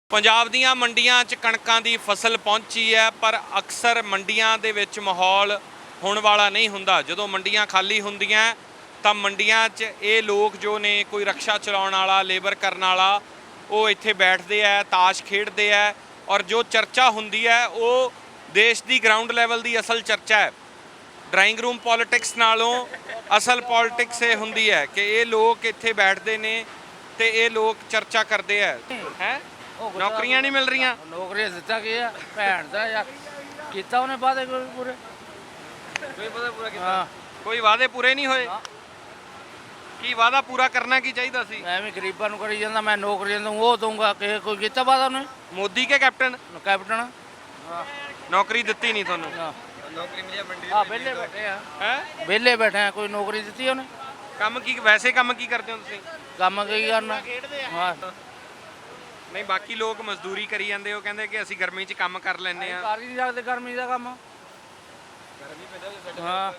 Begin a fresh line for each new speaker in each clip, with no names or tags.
ਪੰਜਾਬ ਦੀਆਂ ਮੰਡੀਆਂ 'ਚ ਕਣਕਾਂ ਦੀ ਫਸਲ ਪਹੁੰਚੀ ਹੈ, ਪਰ ਅਕਸਰ ਮੰਡੀਆਂ ਦੇ ਵਿੱਚ ਮਾਹੌਲ ਹੋਣ ਵਾਲਾ ਨਹੀਂ ਹੁੰਦਾ। ਜਦੋਂ ਮੰਡੀਆਂ ਖਾਲੀ ਹੁੰਦੀਆਂ ਤਾਂ ਮੰਡੀਆਂ 'ਚ ਇਹ ਲੋਕ ਜੋ ਨੇ, ਕੋਈ ਰਕਸ਼ਾ ਚਲਾਉਣ ਵਾਲਾ, ਲੇਬਰ ਕਰਨ ਵਾਲਾ, ਉਹ ਇੱਥੇ ਬੈਠਦੇ ਆ, ਤਾਸ਼ ਖੇਡਦੇ ਆ। ਔਰ ਜੋ ਚਰਚਾ ਹੁੰਦੀ ਹੈ ਉਹ ਦੇਸ਼ ਦੀ ਗਰਾਊਂਡ ਲੈਵਲ ਦੀ ਅਸਲ ਚਰਚਾ ਹੈ। ਡਰਾਇੰਗ ਰੂਮ ਪੋਲਿਟਿਕਸ ਨਾਲੋਂ ਅਸਲ ਪੋਲਿਟਿਕਸ ਇਹ ਹੁੰਦੀ ਹੈ ਕਿ ਇਹ ਲੋਕ ਇੱਥੇ ਬੈਠਦੇ ਨੇ ਤੇ ਇਹ ਲੋਕ ਚਰਚਾ ਕਰਦੇ ਆ। ਹੈ ਨੌਕਰੀਆਂ ਨਹੀਂ ਮਿਲ ਰਹੀਆਂ।
ਨੌਕਰੀਆਂ ਦਿੱਤਾ ਕੀ ਆ ਭੈਣ ਦਾ ਯਾਰ, ਕੀਤਾ ਉਹਨੇ ਵਾਅਦੇ ਪੂਰੇ,
ਕੋਈ ਵਾਅਦਾ ਪੂਰਾ ਕੀਤਾ? ਕੋਈ ਵਾਅਦੇ ਪੂਰੇ ਨਹੀਂ ਹੋਏ। ਕੀ ਵਾਅਦਾ ਪੂਰਾ ਕਰਨਾ ਕੀ ਚਾਹੀਦਾ ਸੀ?
ਐਵੇਂ ਗਰੀਬਾਂ ਨੂੰ ਕਰੀ ਜਾਂਦਾ, ਮੈਂ ਨੌਕਰੀਆਂ ਦਊਂ, ਉਹ ਦਊਂਗਾ। ਕਿਸੇ ਕੋਈ ਕੀਤਾ ਵਾਅਦਾ ਉਹਨੇ?
ਮੋਦੀ ਕੇ ਕੈਪਟਨ?
ਕੈਪਟਨ।
ਨੌਕਰੀ ਦਿੱਤੀ ਨਹੀਂ ਤੁਹਾਨੂੰ?
ਨੌਕਰੀ ਮਿਲਿਆ ਮੰਡੀ ਆ, ਵਿਹਲੇ ਬੈਠੇ ਆ।
ਹੈ
ਵਿਹਲੇ ਬੈਠੇ ਆ, ਕੋਈ ਨੌਕਰੀ ਦਿੱਤੀ ਉਹਨੇ?
ਕੰਮ ਕੀ, ਵੈਸੇ ਕੰਮ ਕੀ ਕਰਦੇ ਹੋ ਤੁਸੀਂ?
ਕੰਮ ਕੀ ਕਰਨਾ? ਹਾਂ,
ਨਹੀਂ, ਬਾਕੀ ਲੋਕ ਮਜ਼ਦੂਰੀ ਕਰੀ ਜਾਂਦੇ, ਉਹ ਕਹਿੰਦੇ ਕਿ ਅਸੀਂ ਗਰਮੀ 'ਚ ਕੰਮ ਕਰ ਲੈਂਦੇ ਆ।
ਕਰ ਹੀ ਨਹੀਂ ਸਕਦੇ ਗਰਮੀ ਦਾ ਕੰਮ। ਹਾਂ,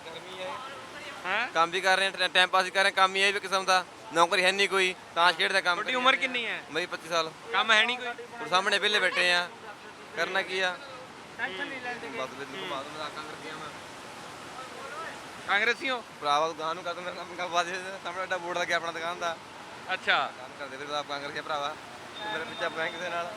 ਹੈ
ਕੰਮ ਵੀ ਕਰ ਰਹੇ ਹਾਂ, ਟਾਈਮ ਪਾਸ ਵੀ ਕਰ ਰਹੇ, ਕੰਮ ਹੀ ਹੈ ਵੀ ਕਿਸਮ ਦਾ। ਨੌਕਰੀ ਹੈ ਨਹੀਂ ਕੋਈ, ਤਾਂ ਖੇਡ ਦਾ ਕੰਮ।
ਤੁਹਾਡੀ ਉਮਰ ਕਿੰਨੀ ਹੈ?
ਮੇਰੀ 25 ਸਾਲ।
ਕੰਮ ਹੈ ਨਹੀਂ ਕੋਈ?
ਹੁਣ ਸਾਹਮਣੇ ਵਿਹਲੇ ਬੈਠੇ ਆ, ਕਰਨਾ ਕੀ ਆ?
ਟੈਨਸ਼ਨ ਨਹੀਂ ਲੈਂਦੇ।
ਬਸ ਬਿਲਕੁਲ ਬਾਤ ਮੈਂ ਕਾਂਗਰਸ ਗਿਆ ਮੈਂ
ਕਾਂਗਰਸੀ ਹੋ?
ਭਰਾਵਾ ਦੁਕਾਨ ਨੂੰ ਕਰਦਾ, ਮੇਰਾ ਕੰਮ ਕਰ ਬਾਦ ਸਾਹਮਣੇ ਅੱਡਾ ਬੋਰਡ ਲੱਗਿਆ ਆਪਣਾ ਦੁਕਾਨ ਦਾ।
ਅੱਛਾ।
ਕੰਮ ਕਰਦੇ ਫਿਰ ਆਪ ਕਾਂਗਰਸ ਗਿਆ ਭਰਾਵਾ, ਮੇਰੇ ਪਿੱਛੇ ਬੈਂਕ ਦੇ ਨਾਲ।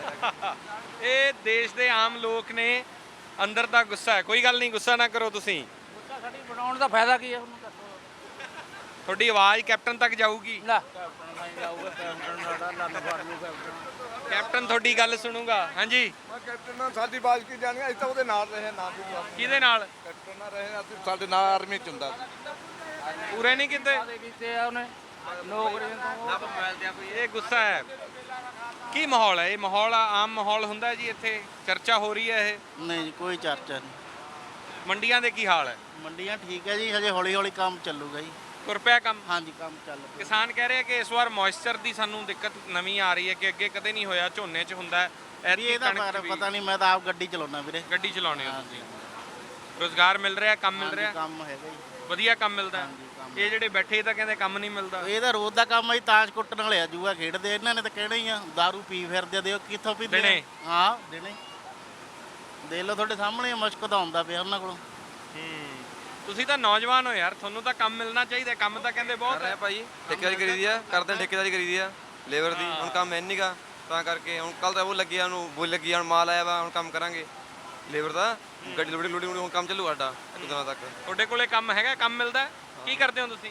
ਇਹ ਦੇਸ਼ ਦੇ ਆਮ ਲੋਕ ਨੇ, ਅੰਦਰ ਦਾ ਗੁੱਸਾ ਹੈ। ਕੋਈ ਗੱਲ ਨਹੀਂ, ਗੁੱਸਾ ਨਾ ਕਰੋ ਤੁਸੀਂ।
ਗੁੱਸਾ ਸਾਡੀ ਬਣਾਉਣ ਦਾ ਫਾਇਦਾ ਕੀ ਹੈ ਉਹਨੂੰ ਦੱਸੋ।
ਤੁਹਾਡੀ ਆਵਾਜ਼ ਕੈਪਟਨ ਤੱਕ ਜਾਊਗੀ।
ਲੈ ਕੈਪਟਨ ਨਹੀਂ ਜਾਊਗਾ, ਕੈਪਟਨ ਸਾਡਾ ਲੰਨ ਫੜ ਲੂ ਕੈਪਟਨ।
ਕੈਪਟਨ ਤੁਹਾਡੀ ਗੱਲ ਸੁਣੂਗਾ। ਹਾਂਜੀ,
ਮੈਂ ਕੈਪਟਨ ਨਾਲ ਸਾਡੀ ਬਾਜ਼ ਕੀ ਜਾਣੀ, ਅਸੀਂ ਤਾਂ ਉਹਦੇ ਨਾਲ ਰਹੇ ਨਾ ਵੀ
ਕਿਹਦੇ ਨਾਲ?
ਕੈਪਟਨ ਨਾਲ ਰਹੇ, ਅਸੀਂ ਸਾਡੇ ਨਾਲ ਆਰਮੀ ਚ ਹੁੰਦਾ ਸੀ।
ਪੂਰੇ ਨਹੀਂ ਕੀਤੇ?
ਵਾਅਦੇ ਕੀਤੇ ਆ ਉਹਨੇ ਨੌਕਰੀਆਂ ਤੋਂ।
ਮੋਬਾਈਲ ਤੇ ਕੋਈ
ਇਹ ਗੁੱਸਾ ਹੈ। ਕੀ ਮਾਹੌਲ ਹੈ? ਇਹ ਮਾਹੌਲ ਆਮ ਮਾਹੌਲ ਹੁੰਦਾ ਜੀ? ਇੱਥੇ ਚਰਚਾ ਹੋ ਰਹੀ ਹੈ ਇਹ?
ਨਹੀਂ ਜੀ, ਕੋਈ ਚਰਚਾ ਨਹੀਂ।
ਮੰਡੀਆਂ ਦੇ ਕੀ ਹਾਲ ਹੈ?
ਮੰਡੀਆਂ ਠੀਕ ਹੈ ਜੀ, ਹਜੇ ਹੌਲੀ ਹੌਲੀ ਕੰਮ ਚੱਲੂਗਾ ਜੀ।
ਤੁਰ ਪਿਆ ਕੰਮ?
ਹਾਂਜੀ, ਕੰਮ ਚੱਲ ਪਿਆ।
ਕਿਸਾਨ ਕਹਿ ਰਹੇ ਕਿ ਇਸ ਵਾਰ ਮੋਇਸਚਰ ਦੀ ਸਾਨੂੰ ਦਿੱਕਤ ਨਵੀਂ ਆ ਰਹੀ ਹੈ ਕਿ ਅੱਗੇ ਕਦੇ ਨਹੀਂ ਹੋਇਆ। ਝੋਨੇ 'ਚ ਹੁੰਦਾ ਹੈ,
ਵੀ
ਐਤਕੀ
ਇਹਦਾ
ਕਣਕ 'ਚ ਵੀ।
ਪਤਾ ਨਹੀਂ, ਮੈਂ ਤਾਂ ਆਪ ਗੱਡੀ ਚਲਾਉਣਾ ਵੀਰੇ।
ਗੱਡੀ ਚਲਾਉਣੇ ਹੋ
ਹਾਂਜੀ,
ਤੁਸੀਂ? ਰੋਜ਼ਗਾਰ ਮਿਲ ਰਿਹਾ, ਕੰਮ ਮਿਲ
ਹਾਂਜੀ,
ਰਿਹਾ?
ਕੰਮ ਹੈਗਾ ਜੀ।
ਵਧੀਆ ਕੰਮ ਮਿਲਦਾ ਹੈ?
ਹਾਂਜੀ, ਕੰਮ।
ਇਹ ਜਿਹੜੇ ਬੈਠੇ ਤਾਂ ਕਹਿੰਦੇ ਕੰਮ ਨਹੀਂ ਮਿਲਦਾ।
ਇਹਦਾ ਰੋਜ਼ ਦਾ ਕੰਮ ਹੈ ਜੀ, ਤਾਸ਼ ਕੁੱਟਣ ਵਾਲੇ ਆ, ਜੂਆ ਖੇਡਦੇ। ਇਹਨਾਂ ਨੇ ਤਾਂ ਕਹਿਣਾ ਹੀ ਆ, ਦਾਰੂ ਪੀ ਫਿਰਦੇ, ਦਿਓ ਕਿੱਥੋਂ ਪੀਂਦੇ ਆ?
ਦਿਨੇ?
ਹਾਂ, ਦਿਨੇ। ਦੇਖ ਲਓ ਤੁਹਾਡੇ ਸਾਹਮਣੇ ਮੁਸ਼ਕ ਤਾਂ ਆਉਂਦਾ ਪਿਆ ਉਹਨਾਂ ਕੋਲੋਂ।
ਤੁਸੀਂ ਤਾਂ ਨੌਜਵਾਨ ਹੋ ਯਾਰ, ਤੁਹਾਨੂੰ ਤਾਂ ਕੰਮ ਮਿਲਣਾ ਚਾਹੀਦਾ। ਕੰਮ ਤਾਂ ਕਹਿੰਦੇ
ਕਰ
ਬਹੁਤ
ਰਹੇ
ਹੈ।
ਆ ਭਾਈ, ਠੇਕੇਦਾਰੀ ਕਰੀਦੀ ਆ, ਕਰਦੇ ਠੇਕੇਦਾਰੀ ਕਰੀਦੀ ਆ ਲੇਬਰ ਦੀ। ਹੁਣ ਕੰਮ ਹੈ ਨਹੀਂਗਾ, ਤਾਂ ਕਰਕੇ ਹੁਣ ਕੱਲ ਤਾਂ ਉਹ ਲੱਗੀ ਆ, ਉਹਨੂੰ ਬੋਲ ਲੱਗੀ ਆ, ਹੁਣ ਮਾਲ ਆਇਆ ਵਾ, ਹੁਣ ਕੰਮ ਕਰਾਂਗੇ ਲੇਬਰ ਦਾ। ਗੱਡੀ ਲੋੜੀ ਲੋੜੀ ਹੁਣ ਕੰਮ ਚੱਲੂ ਸਾਡਾ ਇੱਕ ਦਿਨਾਂ ਤੱਕ।
ਤੁਹਾਡੇ ਕੋਲੇ ਕੰਮ ਹੈਗਾ? ਕੰਮ ਮਿਲਦਾ ਹੈ? ਕੀ ਕਰਦੇ ਹੋ ਤੁਸੀਂ?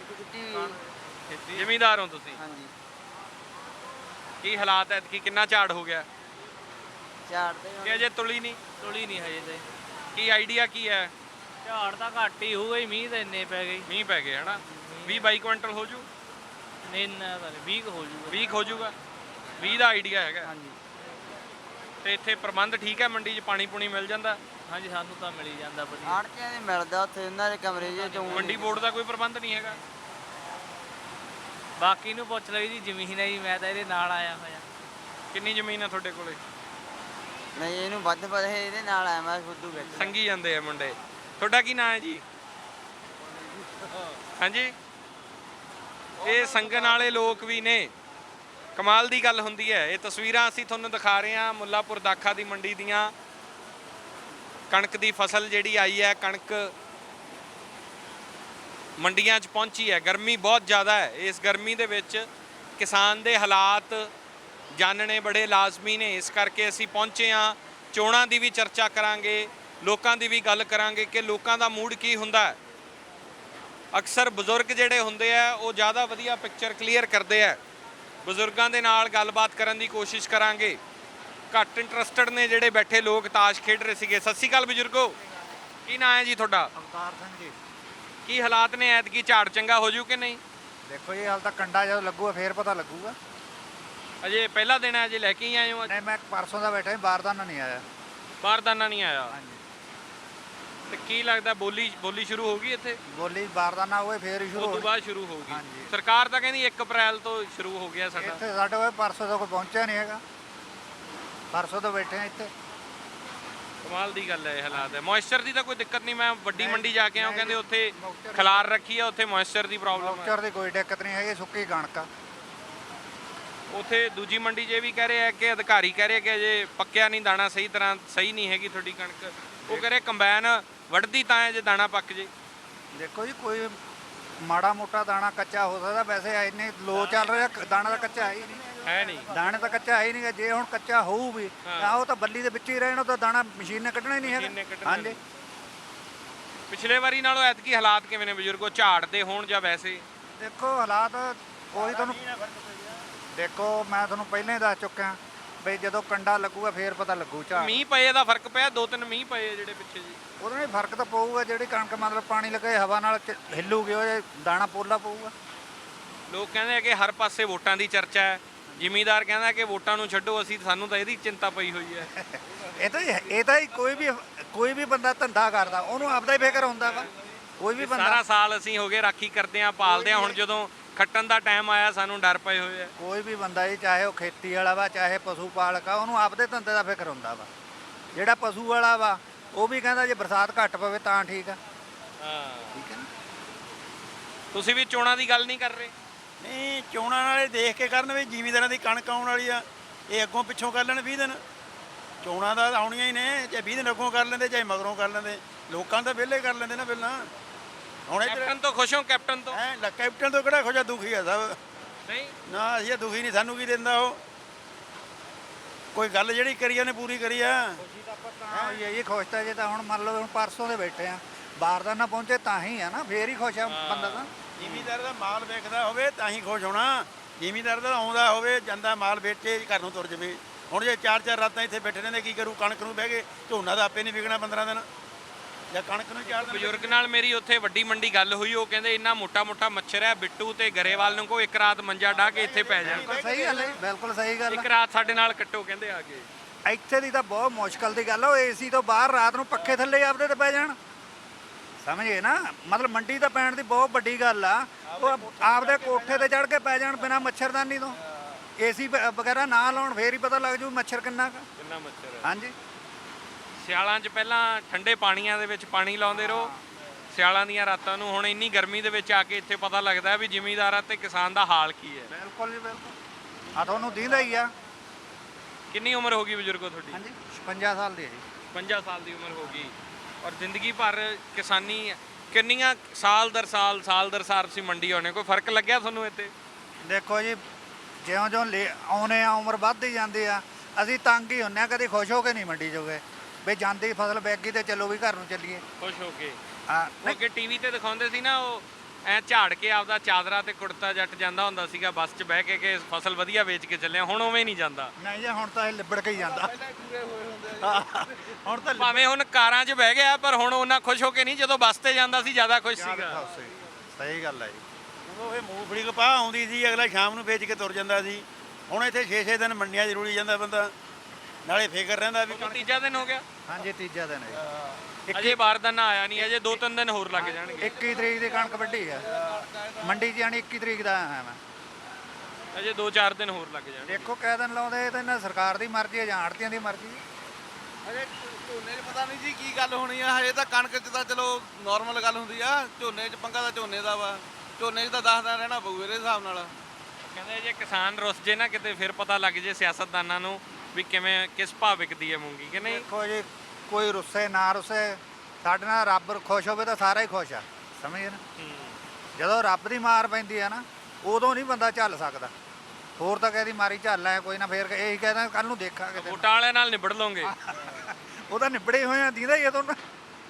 ਜ਼ਿਮੀਂਦਾਰ ਹੋ ਤੁਸੀਂ?
ਹਾਂਜੀ,
ਕੀ ਹਾਲਾਤ ਹੈ? ਕਿ ਕਿੰਨਾ ਝਾੜ ਹੋ ਗਿਆ?
ਝਾੜਦੇ
ਕਿ ਅਜੇ ਤੁਲੀ ਨਹੀਂ?
ਤੁਲੀ ਨਹੀਂ ਹਜੇ ਤੇ।
ਕੀ ਆਈਡੀਆ ਕੀ ਹੈ?
ਝਾੜ ਤਾਂ ਘੱਟ ਹੀ ਹੋਊਗਾ, ਮੀਂਹ ਤਾਂ ਇੰਨੇ ਪੈ ਗਏ।
ਮੀਂਹ ਪੈ ਗਏ ਹਨਾ? 20-22 ਕੁਇੰਟਲ ਹੋ ਜੂ?
ਨਹੀਂ ਇੰਨਾ ਤਾਂ ਨਹੀਂ, 20 ਹੋ ਜੂਗਾ।
20 ਹੋ ਜੂਗਾ? 20 ਦਾ ਆਈਡੀਆ ਹੈਗਾ?
ਹਾਂਜੀ
ਤੇ ਇੱਥੇ ਪ੍ਰਬੰਧ ਠੀਕ ਹੈ? ਮੰਡੀ 'ਚ ਪਾਣੀ ਪੂਣੀ ਮਿਲ ਜਾਂਦਾ?
ਹਾਂਜੀ, ਸਾਨੂੰ ਤਾਂ ਮਿਲ ਹੀ ਜਾਂਦਾ ਵਧੀਆ।
ਆੜਤੀਆਂ ਦੇ ਮਿਲਦਾ ਉੱਥੇ ਉਹਨਾਂ ਦੇ ਕਮਰੇ ਜੇ ਚੋਂ।
ਮੰਡੀ ਬੋਰਡ ਦਾ ਕੋਈ ਪ੍ਰਬੰਧ ਨਹੀਂ ਹੈਗਾ?
ਬਾਕੀ ਨੂੰ ਪੁੱਛ ਲਓ ਜੀ, ਜ਼ਮੀਨ ਹੈ ਜੀ, ਮੈਂ ਤਾਂ ਇਹਦੇ ਨਾਲ ਆਇਆ ਹੋਇਆ।
ਕਿੰਨੀ ਜ਼ਮੀਨ ਹੈ ਤੁਹਾਡੇ ਕੋਲੇ?
ਨਹੀਂ, ਇਹਨੂੰ ਵੱਧ ਪਤਾ ਹੈ, ਇਹਦੇ ਨਾਲ ਆਇਆ ਮੈਂ ਫੁੱਦੂ ਵਿੱਚ।
ਸੰਗੀ ਜਾਂਦੇ ਆ ਮੁੰਡੇ। ਤੁਹਾਡਾ ਕੀ ਨਾਂ ਹੈ ਜੀ? ਹਾਂਜੀ, ਇਹ ਸੰਗਣ ਵਾਲੇ ਲੋਕ ਵੀ ਨੇ। ਕਮਾਲ ਦੀ ਗੱਲ ਹੁੰਦੀ ਹੈ। ਇਹ ਤਸਵੀਰਾਂ ਅਸੀਂ ਤੁਹਾਨੂੰ ਦਿਖਾ ਰਹੇ ਹਾਂ ਮੁੱਲਾਪੁਰ ਦਾਖਾ ਦੀ ਮੰਡੀ ਦੀਆਂ। ਕਣਕ ਦੀ ਫਸਲ ਜਿਹੜੀ ਆਈ ਹੈ, ਕਣਕ ਮੰਡੀਆਂ 'ਚ ਪਹੁੰਚੀ ਹੈ। ਗਰਮੀ ਬਹੁਤ ਜ਼ਿਆਦਾ ਹੈ। ਇਸ ਗਰਮੀ ਦੇ ਵਿੱਚ ਕਿਸਾਨ ਦੇ ਹਾਲਾਤ ਜਾਣਨੇ ਬੜੇ ਲਾਜ਼ਮੀ ਨੇ। ਇਸ ਕਰਕੇ ਅਸੀਂ ਪਹੁੰਚੇ ਹਾਂ। ਚੋਣਾਂ ਦੀ ਵੀ ਚਰਚਾ ਕਰਾਂਗੇ, ਲੋਕਾਂ ਦੀ ਵੀ ਗੱਲ ਕਰਾਂਗੇ ਕਿ ਲੋਕਾਂ ਦਾ ਮੂਡ ਕੀ ਹੁੰਦਾ ਹੈ। ਅਕਸਰ ਬਜ਼ੁਰਗ ਜਿਹੜੇ ਹੁੰਦੇ ਆ ਉਹ ਜ਼ਿਆਦਾ ਵਧੀਆ ਪਿਕਚਰ ਕਲੀਅਰ ਕਰਦੇ ਆ। ਬਜ਼ੁਰਗਾਂ ਦੇ ਨਾਲ ਗੱਲਬਾਤ ਕਰਨ ਦੀ ਕੋਸ਼ਿਸ਼ ਕਰਾਂਗੇ। ਘੱਟ ਇੰਟਰਸਟਡ ਨੇ ਜਿਹੜੇ ਬੈਠੇ ਲੋਕ, ਤਾਸ਼ ਖੇਡ ਰਹੇ ਸੀਗੇ। ਸਤਿ ਸ਼੍ਰੀ ਅਕਾਲ ਬਜ਼ੁਰਗੋ, ਕੀ ਨਾਂ ਹੈ ਜੀ ਤੁਹਾਡਾ?
ਅਵਤਾਰ ਸਿੰਘ ਜੀ।
ਕੀ ਹਾਲਾਤ ਨੇ? ਐਤਕੀ ਝਾੜ ਚੰਗਾ ਹੋ ਜੂ ਕਿ ਨਹੀਂ?
ਦੇਖੋ ਜੀ, ਹਾਲ ਤਾਂ ਕੰਡਾ ਜਦੋਂ ਲੱਗੂਗਾ ਫੇਰ ਪਤਾ ਲੱਗੂਗਾ।
ਅਜੇ ਪਹਿਲਾ ਦਿਨ ਹੈ, ਅਜੇ ਲੈ ਕੇ ਹੀ ਆਏ ਹੋ?
ਨਹੀਂ, ਮੈਂ ਪਰਸੋਂ ਦਾ ਬੈਠਾ, ਬਾਰਦਾਨਾ ਨਹੀਂ ਆਇਆ।
ਬਾਰਦਾਨਾ ਨਹੀਂ ਆਇਆ?
ਹਾਂਜੀ,
ਤੇ ਕੀ ਲੱਗਦਾ ਬੋਲੀ ਸ਼ੁਰੂ ਹੋ ਗਈ ਇੱਥੇ?
ਬੋਲੀ ਬਾਰਦਾਨਾ ਹੋਏ ਫੇਰ ਹੀ ਸ਼ੁਰੂ
ਉਸ ਤੋਂ
ਹੋਣੀ।
ਬਾਅਦ ਸ਼ੁਰੂ ਹੋਊਗੀ?
ਹਾਂਜੀ।
ਸਰਕਾਰ ਤਾਂ ਕਹਿੰਦੀ 1 ਅਪ੍ਰੈਲ ਤੋਂ ਸ਼ੁਰੂ ਹੋ ਗਿਆ ਸਾਡਾ।
ਇੱਥੇ ਸਾਡੇ ਕੋਲ ਪਰਸੋਂ ਦਾ ਕੋਈ ਪਹੁੰਚਿਆ ਨਹੀਂ ਹੈਗਾ। ਪਰਸੋਂ ਤੋਂ ਬੈਠੇ ਆ ਇੱਥੇ।
ਕਮਾਲ ਦੀ ਗੱਲ ਹੈ। ਇਹ ਹਾਲਾਤ ਹੈ। ਮੋਇਸਚਰ ਦੀ ਤਾਂ ਕੋਈ ਦਿੱਕਤ ਨਹੀਂ? ਮੈਂ ਵੱਡੀ ਮੰਡੀ ਜਾ ਕੇ ਆਇਆ, ਕਹਿੰਦੇ ਉੱਥੇ
ਮੌਕਚਰ-
ਖਲਾਰ ਰੱਖੀ ਆ, ਉੱਥੇ ਮੋਇਸਚਰ ਦੀ ਪ੍ਰੋਬਲਮ ਹੈ।
ਮੌਕਚਰ ਦੀ ਕੋਈ ਦਿੱਕਤ ਨਹੀਂ ਹੈਗੀ, ਸੁੱਕੀ ਕਣਕ ਆ।
ਉਥੇ ਦੂਜੀ ਮੰਡੀ 'ਚ ਇਹ ਵੀ ਕਹਿ ਰਹੇ ਆ ਕਿ ਅਧਿਕਾਰੀ ਕਹਿ ਰਹੇ ਕਿ ਅਜੇ ਪੱਕਿਆ ਨਹੀਂ ਦਾਣਾ ਸਹੀ ਤਰ੍ਹਾਂ, ਸਹੀ ਨਹੀਂ ਹੈਗੀ ਤੁਹਾਡੀ ਕਣਕ। ਉਹ ਕਹਿ ਰਹੇ ਕੰਬਾਈਨ ਵੱਢਦੀ ਤਾਂ ਹੈ ਜੇ ਦਾਣਾ ਪੱਕ ਜੇ।
ਦੇਖੋ ਜੀ, ਕੋਈ ਮਾੜਾ ਮੋਟਾ ਦਾਣਾ ਕੱਚਾ ਹੋ ਸਕਦਾ, ਵੈਸੇ ਇੰਨੇ ਲੋ ਚੱਲ ਰਿਹਾ, ਦਾਣਾ ਤਾਂ ਕੱਚਾ ਹੈ ਹੀ ਨਹੀਂ।
ਹੈ ਨਹੀਂ
ਦਾਣੇ ਤਾਂ ਕੱਚਾ ਹੈ ਹੀ ਨਹੀਂ। ਜੇ ਹੁਣ ਕੱਚਾ ਹੋਊ ਵੀ ਤਾਂ ਉਹ ਤਾਂ ਬੱਲੀ ਦੇ ਵਿੱਚ ਹੀ ਰਹਿਣ, ਉਹ ਤਾਂ ਦਾਣਾ ਮਸ਼ੀਨ ਨੇ ਕੱਢਣਾ ਹੀ ਨਹੀਂ
ਮਸ਼ੀਨ ਨੇ
ਹੈਗਾ।
ਕੱਢਣਾ
ਹਾਂਜੀ।
ਪਿਛਲੇ ਵਾਰੀ ਨਾਲੋਂ ਐਤਕੀ ਹਾਲਾਤ ਕਿਵੇਂ ਨੇ ਬਜ਼ੁਰਗੋ, ਝਾੜ ਦੇ ਹੋਣ ਜਾਂ ਵੈਸੇ?
ਦੇਖੋ ਹਾਲਾਤ ਉਹੀ ਤੁਹਾਨੂੰ ਦੇਖੋ, ਮੈਂ ਤੁਹਾਨੂੰ ਪਹਿਲਾਂ ਹੀ ਦੱਸ ਚੁੱਕਿਆ ਬਈ ਜਦੋਂ ਕੰਡਾ ਲੱਗੂਗਾ ਫੇਰ ਪਤਾ ਲੱਗੂ ਝਾੜ।
ਮੀਂਹ ਪਏ ਦਾ ਫਰਕ ਪਿਆ, 2-3 ਮੀਂਹ ਪਏ ਜਿਹੜੇ ਪਿੱਛੇ ਜੀ।
ਉਹਦੇ ਨਾਲ ਫਰਕ ਤਾਂ ਪਊਗਾ। ਜਿਹੜੀ ਕਣਕ ਮਤਲਬ ਪਾਣੀ ਲੱਗੇ ਹਵਾ ਨਾਲ ਹਿੱਲੂਗੀ, ਉਹ ਦਾਣਾ ਪੋਲਾ ਪਊਗਾ।
ਲੋਕ ਕਹਿੰਦੇ ਆ ਕਿ ਹਰ ਪਾਸੇ ਵੋਟਾਂ ਦੀ ਚਰਚਾ ਹੈ, ਜ਼ਿਮੀਂਦਾਰ ਕਹਿੰਦਾ ਕਿ ਵੋਟਾਂ ਨੂੰ ਛੱਡੋ, ਅਸੀਂ ਸਾਨੂੰ ਤਾਂ ਇਹਦੀ ਚਿੰਤਾ ਪਈ ਹੋਈ ਹੈ।
ਇਹ ਤਾਂ ਹੀ ਕੋਈ ਵੀ ਬੰਦਾ ਧੰਦਾ ਕਰਦਾ ਉਹਨੂੰ ਆਪਦਾ ਹੀ ਫਿਕਰ ਹੁੰਦਾ ਵਾ। ਕੋਈ ਵੀ
ਸਾਰਾ
ਬੰਦਾ
ਸਾਲ ਅਸੀਂ ਹੋ ਗਏ ਰਾਖੀ ਕਰਦੇ ਆ, ਪਾਲਦੇ ਆ, ਹੁਣ ਜਦੋਂ ਖੱਟਣ ਦਾ ਟਾਈਮ ਆਇਆ ਸਾਨੂੰ ਡਰ ਪਏ ਹੋਏ ਆ।
ਕੋਈ ਵੀ ਬੰਦਾ ਜੀ, ਚਾਹੇ ਉਹ ਖੇਤੀ ਵਾਲਾ ਵਾ ਚਾਹੇ ਪਸ਼ੂ ਪਾਲਕ ਆ, ਉਹਨੂੰ ਆਪਦੇ ਧੰਦੇ ਦਾ ਫਿਕਰ ਹੁੰਦਾ ਵਾ। ਜਿਹੜਾ ਪਸ਼ੂ ਵਾਲਾ ਵਾ ਉਹ ਵੀ ਕਹਿੰਦਾ ਜੇ ਬਰਸਾਤ ਘੱਟ ਪਵੇ ਤਾਂ ਠੀਕ ਆ। ਠੀਕ ਹੈ ਨਾ।
ਤੁਸੀਂ ਵੀ ਚੋਣਾਂ ਦੀ ਗੱਲ ਨਹੀਂ ਕਰ ਰਹੇ?
ਨਹੀਂ, ਚੋਣਾਂ ਵਾਲੇ ਦੇਖ ਕੇ ਕਰਨ ਵੀ ਜ਼ਿਮੀਂਦਾਰਾਂ ਦੀ ਕਣਕ ਆਉਣ ਵਾਲੀ ਆ, ਇਹ ਅੱਗੋਂ ਪਿੱਛੋਂ ਕਰ ਲੈਣ 20 ਦਿਨ। ਚੋਣਾਂ ਦਾ ਆਉਣੀਆਂ ਹੀ ਨੇ, ਚਾਹੇ 20 ਦਿਨ ਅੱਗੋਂ ਕਰ ਲੈਂਦੇ ਚਾਹੇ ਮਗਰੋਂ ਕਰ ਲੈਂਦੇ। ਲੋਕਾਂ ਤਾਂ ਵਿਹਲੇ ਕਰ ਲੈਂਦੇ ਨਾ ਪਹਿਲਾਂ। ਹੁਣ
ਕੈਪਟਨ ਤੋਂ ਖੁਸ਼ ਹੋ? ਕੈਪਟਨ ਤੋਂ
ਕੈਪਟਨ ਤੋਂ ਕਿਹੜਾ ਖੁਸ਼ਾ, ਦੁਖੀ ਆ ਸਭ।
ਨਹੀਂ
ਨਾ ਅਸੀਂ ਤਾਂ ਦੁਖੀ ਨਹੀਂ, ਸਾਨੂੰ ਕੀ ਦਿੰਦਾ ਉਹ। ਕੋਈ ਗੱਲ ਜਿਹੜੀ ਕਰੀ ਉਹਨੇ ਪੂਰੀ ਕਰੀ ਆ।
ਇਹ ਖੁਸ਼ ਤਾਂ ਜੇ ਤਾਂ ਹੁਣ ਮੰਨ ਲਓ ਹੁਣ ਪਰਸੋਂ ਦੇ ਬੈਠੇ ਆ, ਬਾਰਦਾਨਾ ਪਹੁੰਚੇ ਤਾਂ ਹੀ ਆ ਨਾ, ਫੇਰ ਹੀ ਖੁਸ਼ ਆ ਬੰਦਾ ਤਾਂ।
ਜ਼ਿਮੀਂਦਾਰ ਦਾ ਮਾਲ ਵੇਚਦਾ ਹੋਵੇ ਤਾਂ ਹੀ ਖੁਸ਼ ਹੋਣਾ। ਜ਼ਿਮੀਂਦਾਰ ਦਾ ਆਉਂਦਾ ਹੋਵੇ, ਜਾਂਦਾ ਮਾਲ ਵੇਚੇ ਘਰ ਨੂੰ ਤੁਰ ਜਾਵੇ। ਹੁਣ ਜੇ 4-4 ਰਾਤਾਂ ਇੱਥੇ ਬੈਠੇ ਰਹਿੰਦੇ ਕੀ ਕਰੂ? ਕਣਕ ਨੂੰ ਬਹਿ ਗਏ, ਝੋਨਾ ਦਾ ਆਪੇ ਨਹੀਂ ਵਿਕਣਾ 15 ਦਿਨ, ਜਾਂ ਕਣਕ ਨੂੰ 4 ਦਿਨ।
ਬਜ਼ੁਰਗ ਨਾਲ ਮੇਰੀ ਉੱਥੇ ਵੱਡੀ ਮੰਡੀ ਗੱਲ ਹੋਈ, ਉਹ ਕਹਿੰਦੇ ਇੰਨਾ ਮੋਟਾ ਮੱਛਰ ਹੈ, ਬਿੱਟੂ ਤੇ ਗਰੇਵਾਲ ਨੂੰ ਕੋ ਇੱਕ ਰਾਤ ਮੰਜਾ ਢਾ ਕੇ ਇੱਥੇ ਪੈ ਜਾਣ।
ਸਹੀ ਗੱਲ ਹੈ, ਬਿਲਕੁਲ ਸਹੀ ਗੱਲ
ਇੱਕ ਰਾਤ ਸਾਡੇ ਨਾਲ ਕੱਟੋ ਕਹਿੰਦੇ ਆ ਕੇ।
ਇੱਥੇ ਦੀ ਤਾਂ ਬਹੁਤ ਮੁਸ਼ਕਲ ਦੀ ਗੱਲ ਆ। ਉਹ ਏਸੀ ਤੋਂ ਬਾਹਰ ਰਾਤ ਨੂੰ ਪੱਖੇ ਥੱਲੇ ਆਪਦੇ ਤੇ ਪੈ ਜਾਣ, ਸਮਝੇ ਨਾ। ਮਤਲਬ ਮੰਡੀ ਤਾਂ ਪੈਣ ਦੀ ਬਹੁਤ ਵੱਡੀ ਗੱਲ ਆ। ਉਹ ਆਪਦੇ ਕੋਠੇ ਤੇ ਚੜ ਕੇ ਪੈ ਜਾਣ ਬਿਨਾਂ ਮੱਛਰਦਾਨੀ ਤੋਂ, ਏਸੀ ਵਗੈਰਾ ਨਾ ਲਾਉਣ, ਫੇਰ ਹੀ ਪਤਾ ਲੱਗ ਜੂ ਮੱਛਰ ਕਿੰਨਾ
ਮੱਛਰ ਹੈ।
ਹਾਂਜੀ।
ਸਿਆਲਾਂ 'ਚ ਪਹਿਲਾਂ ਠੰਡੇ ਪਾਣੀਆਂ ਦੇ ਵਿੱਚ ਪਾਣੀ ਲਾਉਂਦੇ ਰਹੋ ਸਿਆਲਾਂ ਦੀਆਂ ਰਾਤਾਂ ਨੂੰ। ਹੁਣ ਇੰਨੀ ਗਰਮੀ ਦੇ ਵਿੱਚ ਆ ਕੇ ਇੱਥੇ ਪਤਾ ਲੱਗਦਾ ਵੀ ਜ਼ਿਮੀਂਦਾਰਾਂ ਤੇ ਕਿਸਾਨ ਦਾ ਹਾਲ ਕੀ ਹੈ।
ਬਿਲਕੁਲ ਜੀ, ਬਿਲਕੁਲ। ਆ ਤੁਹਾਨੂੰ ਦੀਂਦਾ ਹੀ ਆ।
ਕਿੰਨੀ ਉਮਰ ਹੋ ਗਈ ਬਜ਼ੁਰਗੋ ਤੁਹਾਡੀ?
ਹਾਂਜੀ, 56 ਸਾਲ ਦੀ ਹੈ ਜੀ।
50 ਸਾਲ ਦੀ ਉਮਰ ਹੋ ਗਈ ਔਰ ਜ਼ਿੰਦਗੀ ਭਰ ਕਿਸਾਨੀ। ਕਿੰਨੀਆਂ ਸਾਲ ਦਰ ਸਾਲ ਤੁਸੀਂ ਮੰਡੀ ਆਉਣੇ, ਕੋਈ ਫਰਕ ਲੱਗਿਆ ਤੁਹਾਨੂੰ ਇੱਥੇ?
ਦੇਖੋ ਜੀ, ਜਿਉਂ-ਜਿਉਂ ਆਉਨੇ ਆ ਉਮਰ ਵੱਧਦੀ ਜਾਂਦੀ ਆ, ਅਸੀਂ ਤੰਗ ਹੀ ਹੁੰਨੇ ਆ। ਕਦੇ ਖੁਸ਼ ਹੋ ਕੇ ਨਹੀਂ ਮੰਡੀ ਜੋਗੇ ਵੀ ਜਾਂਦੀ ਫਸਲ ਵਿਕ ਗਈ ਤੇ ਚਲੋ ਵੀ ਘਰ ਨੂੰ ਚੱਲੀਏ।
ਖੁਸ਼ ਹੋ ਕੇ?
ਹਾਂ।
ਉਹ ਅੱਗੇ ਟੀਵੀ ਤੇ ਦਿਖਾਉਂਦੇ ਸੀ ਨਾ, ਉਹ ਐ ਝਾੜ ਕੇ ਆਪਦਾ ਚਾਦਰਾ ਤੇ ਕੁੜਤਾ ਜੱਟ ਜਾਂਦਾ ਹੁੰਦਾ ਸੀਗਾ ਬੱਸ 'ਚ ਬਹਿ ਕੇ ਕਿ ਫਸਲ ਵਧੀਆ ਵੇਚ ਕੇ ਚੱਲਿਆ। ਹੁਣ ਉਵੇਂ ਨਹੀਂ ਜਾਂਦਾ।
ਨਹੀਂ ਜੀ, ਹੁਣ ਤਾਂ ਇਹ ਲਿਬੜ ਕੇ ਹੀ ਜਾਂਦਾ। ਹੁਣ ਤਾਂ
ਭਾਵੇਂ ਹੁਣ ਕਾਰਾਂ 'ਚ ਬਹਿ ਗਿਆ ਪਰ ਹੁਣ ਉਹਨਾਂ ਖੁਸ਼ ਹੋ ਕੇ ਨਹੀਂ, ਜਦੋਂ ਬੱਸ ਤੇ ਜਾਂਦਾ ਸੀ ਜ਼ਿਆਦਾ ਖੁਸ਼ ਸੀਗਾ।
ਸਹੀ ਗੱਲ ਹੈ ਜੀ।
ਉਹ ਇਹ ਮੂੰਗਫਲੀ ਕਪਾਹ ਆਉਂਦੀ ਸੀ, ਅਗਲਾ ਸ਼ਾਮ ਨੂੰ ਵੇਚ ਕੇ ਤੁਰ ਜਾਂਦਾ ਸੀ। ਹੁਣ ਇੱਥੇ 6-6 ਦਿਨ ਮੰਡੀਆਂ 'ਚ ਰੁਲੀ ਜਾਂਦਾ ਬੰਦਾ, ਨਾਲੇ ਫਿਕਰ ਰਹਿੰਦਾ ਵੀ
ਤੀਜਾ ਦਿਨ ਹੋ ਗਿਆ।
ਹਾਂਜੀ, ਤੀਜਾ ਦਿਨ ਹੈ ਜੀ।
ਅਜੇ ਬਾਰਦਾਨਾ ਆਇਆ ਨਹੀਂ, ਅਜੇ 2-3 ਦਿਨ ਹੋਰ ਲੱਗ ਜਾਣਗੇ।
21 ਤਰੀਕ ਦੀ ਕਣਕ ਵੱਢੀ ਆ ਮੰਡੀ 'ਚ, ਜਾਣੀ 21 ਤਰੀਕ ਦਾ ਆਇਆ ਮੈਂ।
ਅਜੇ 2-4 ਦਿਨ ਹੋਰ ਲੱਗ ਜਾਣਗੇ।
ਦੇਖੋ ਕਿਹ ਦਿਨ ਲਾਉਂਦੇ, ਇਹ ਤਾਂ ਇਹਨਾਂ ਸਰਕਾਰ ਦੀ ਮਰਜ਼ੀ ਹੈ ਜਾਂ ਆੜਤੀਆਂ ਦੀ ਮਰਜ਼ੀ ਹੈ।
ਹਜੇ ਝੋਨੇ 'ਚ ਪਤਾ ਨਹੀਂ ਜੀ ਕੀ ਗੱਲ ਹੋਣੀ ਆ। ਹਜੇ ਤਾਂ ਕਣਕ 'ਚ ਤਾਂ ਚਲੋ ਨਾਰਮਲ ਗੱਲ ਹੁੰਦੀ ਆ। ਝੋਨੇ 'ਚ ਪੰਗਾ ਤਾਂ ਝੋਨੇ ਦਾ ਵਾ। ਝੋਨੇ 'ਚ ਤਾਂ 10 ਦਿਨ ਰਹਿਣਾ ਪਊ ਇਹਦੇ ਹਿਸਾਬ ਨਾਲ।
ਕਹਿੰਦੇ ਜੇ ਕਿਸਾਨ ਰੁੱਸ ਜੇ ਨਾ ਕਿਤੇ, ਫਿਰ ਪਤਾ ਲੱਗ ਜੇ ਸਿਆਸਤਦਾਨਾਂ ਨੂੰ ਵੀ ਕਿਵੇਂ ਕਿਸ ਭਾਅ ਵਿਕਦੀ ਹੈ ਮੂੰਗੀ ਕਿ ਨਹੀਂ।
ਦੇਖੋ ਜੀ, ਕੋਈ ਰੁੱਸੇ ਨਾ ਰੁੱਸੇ, ਸਾਡੇ ਨਾਲ ਰੱਬ ਖੁਸ਼ ਹੋਵੇ ਤਾਂ ਸਾਰਾ ਹੀ ਖੁਸ਼ ਆ, ਸਮਝੇ ਨਾ। ਜਦੋਂ ਰੱਬ ਦੀ ਮਾਰ ਪੈਂਦੀ ਆ ਨਾ, ਉਦੋਂ ਨਹੀਂ ਬੰਦਾ ਝੱਲ ਸਕਦਾ। ਹੋਰ ਤਾਂ ਕਹਦੀ ਮਾਰੀ ਝੱਲ ਐ ਕੋਈ ਨਾ, ਫੇਰ ਇਹੀ ਕਹਿੰਦਾ ਕੱਲ ਨੂੰ ਦੇਖਾਂਗੇ।
ਵੋਟਾਂ ਵਾਲਿਆਂ ਨਾਲ ਨਿਬੜ ਲਓਗੇ?
ਉਹ ਤਾਂ ਨਿਬੜੇ ਹੋਏ ਆ, ਦੀਦਾ ਹੀ ਆ ਤੁਹਾਨੂੰ।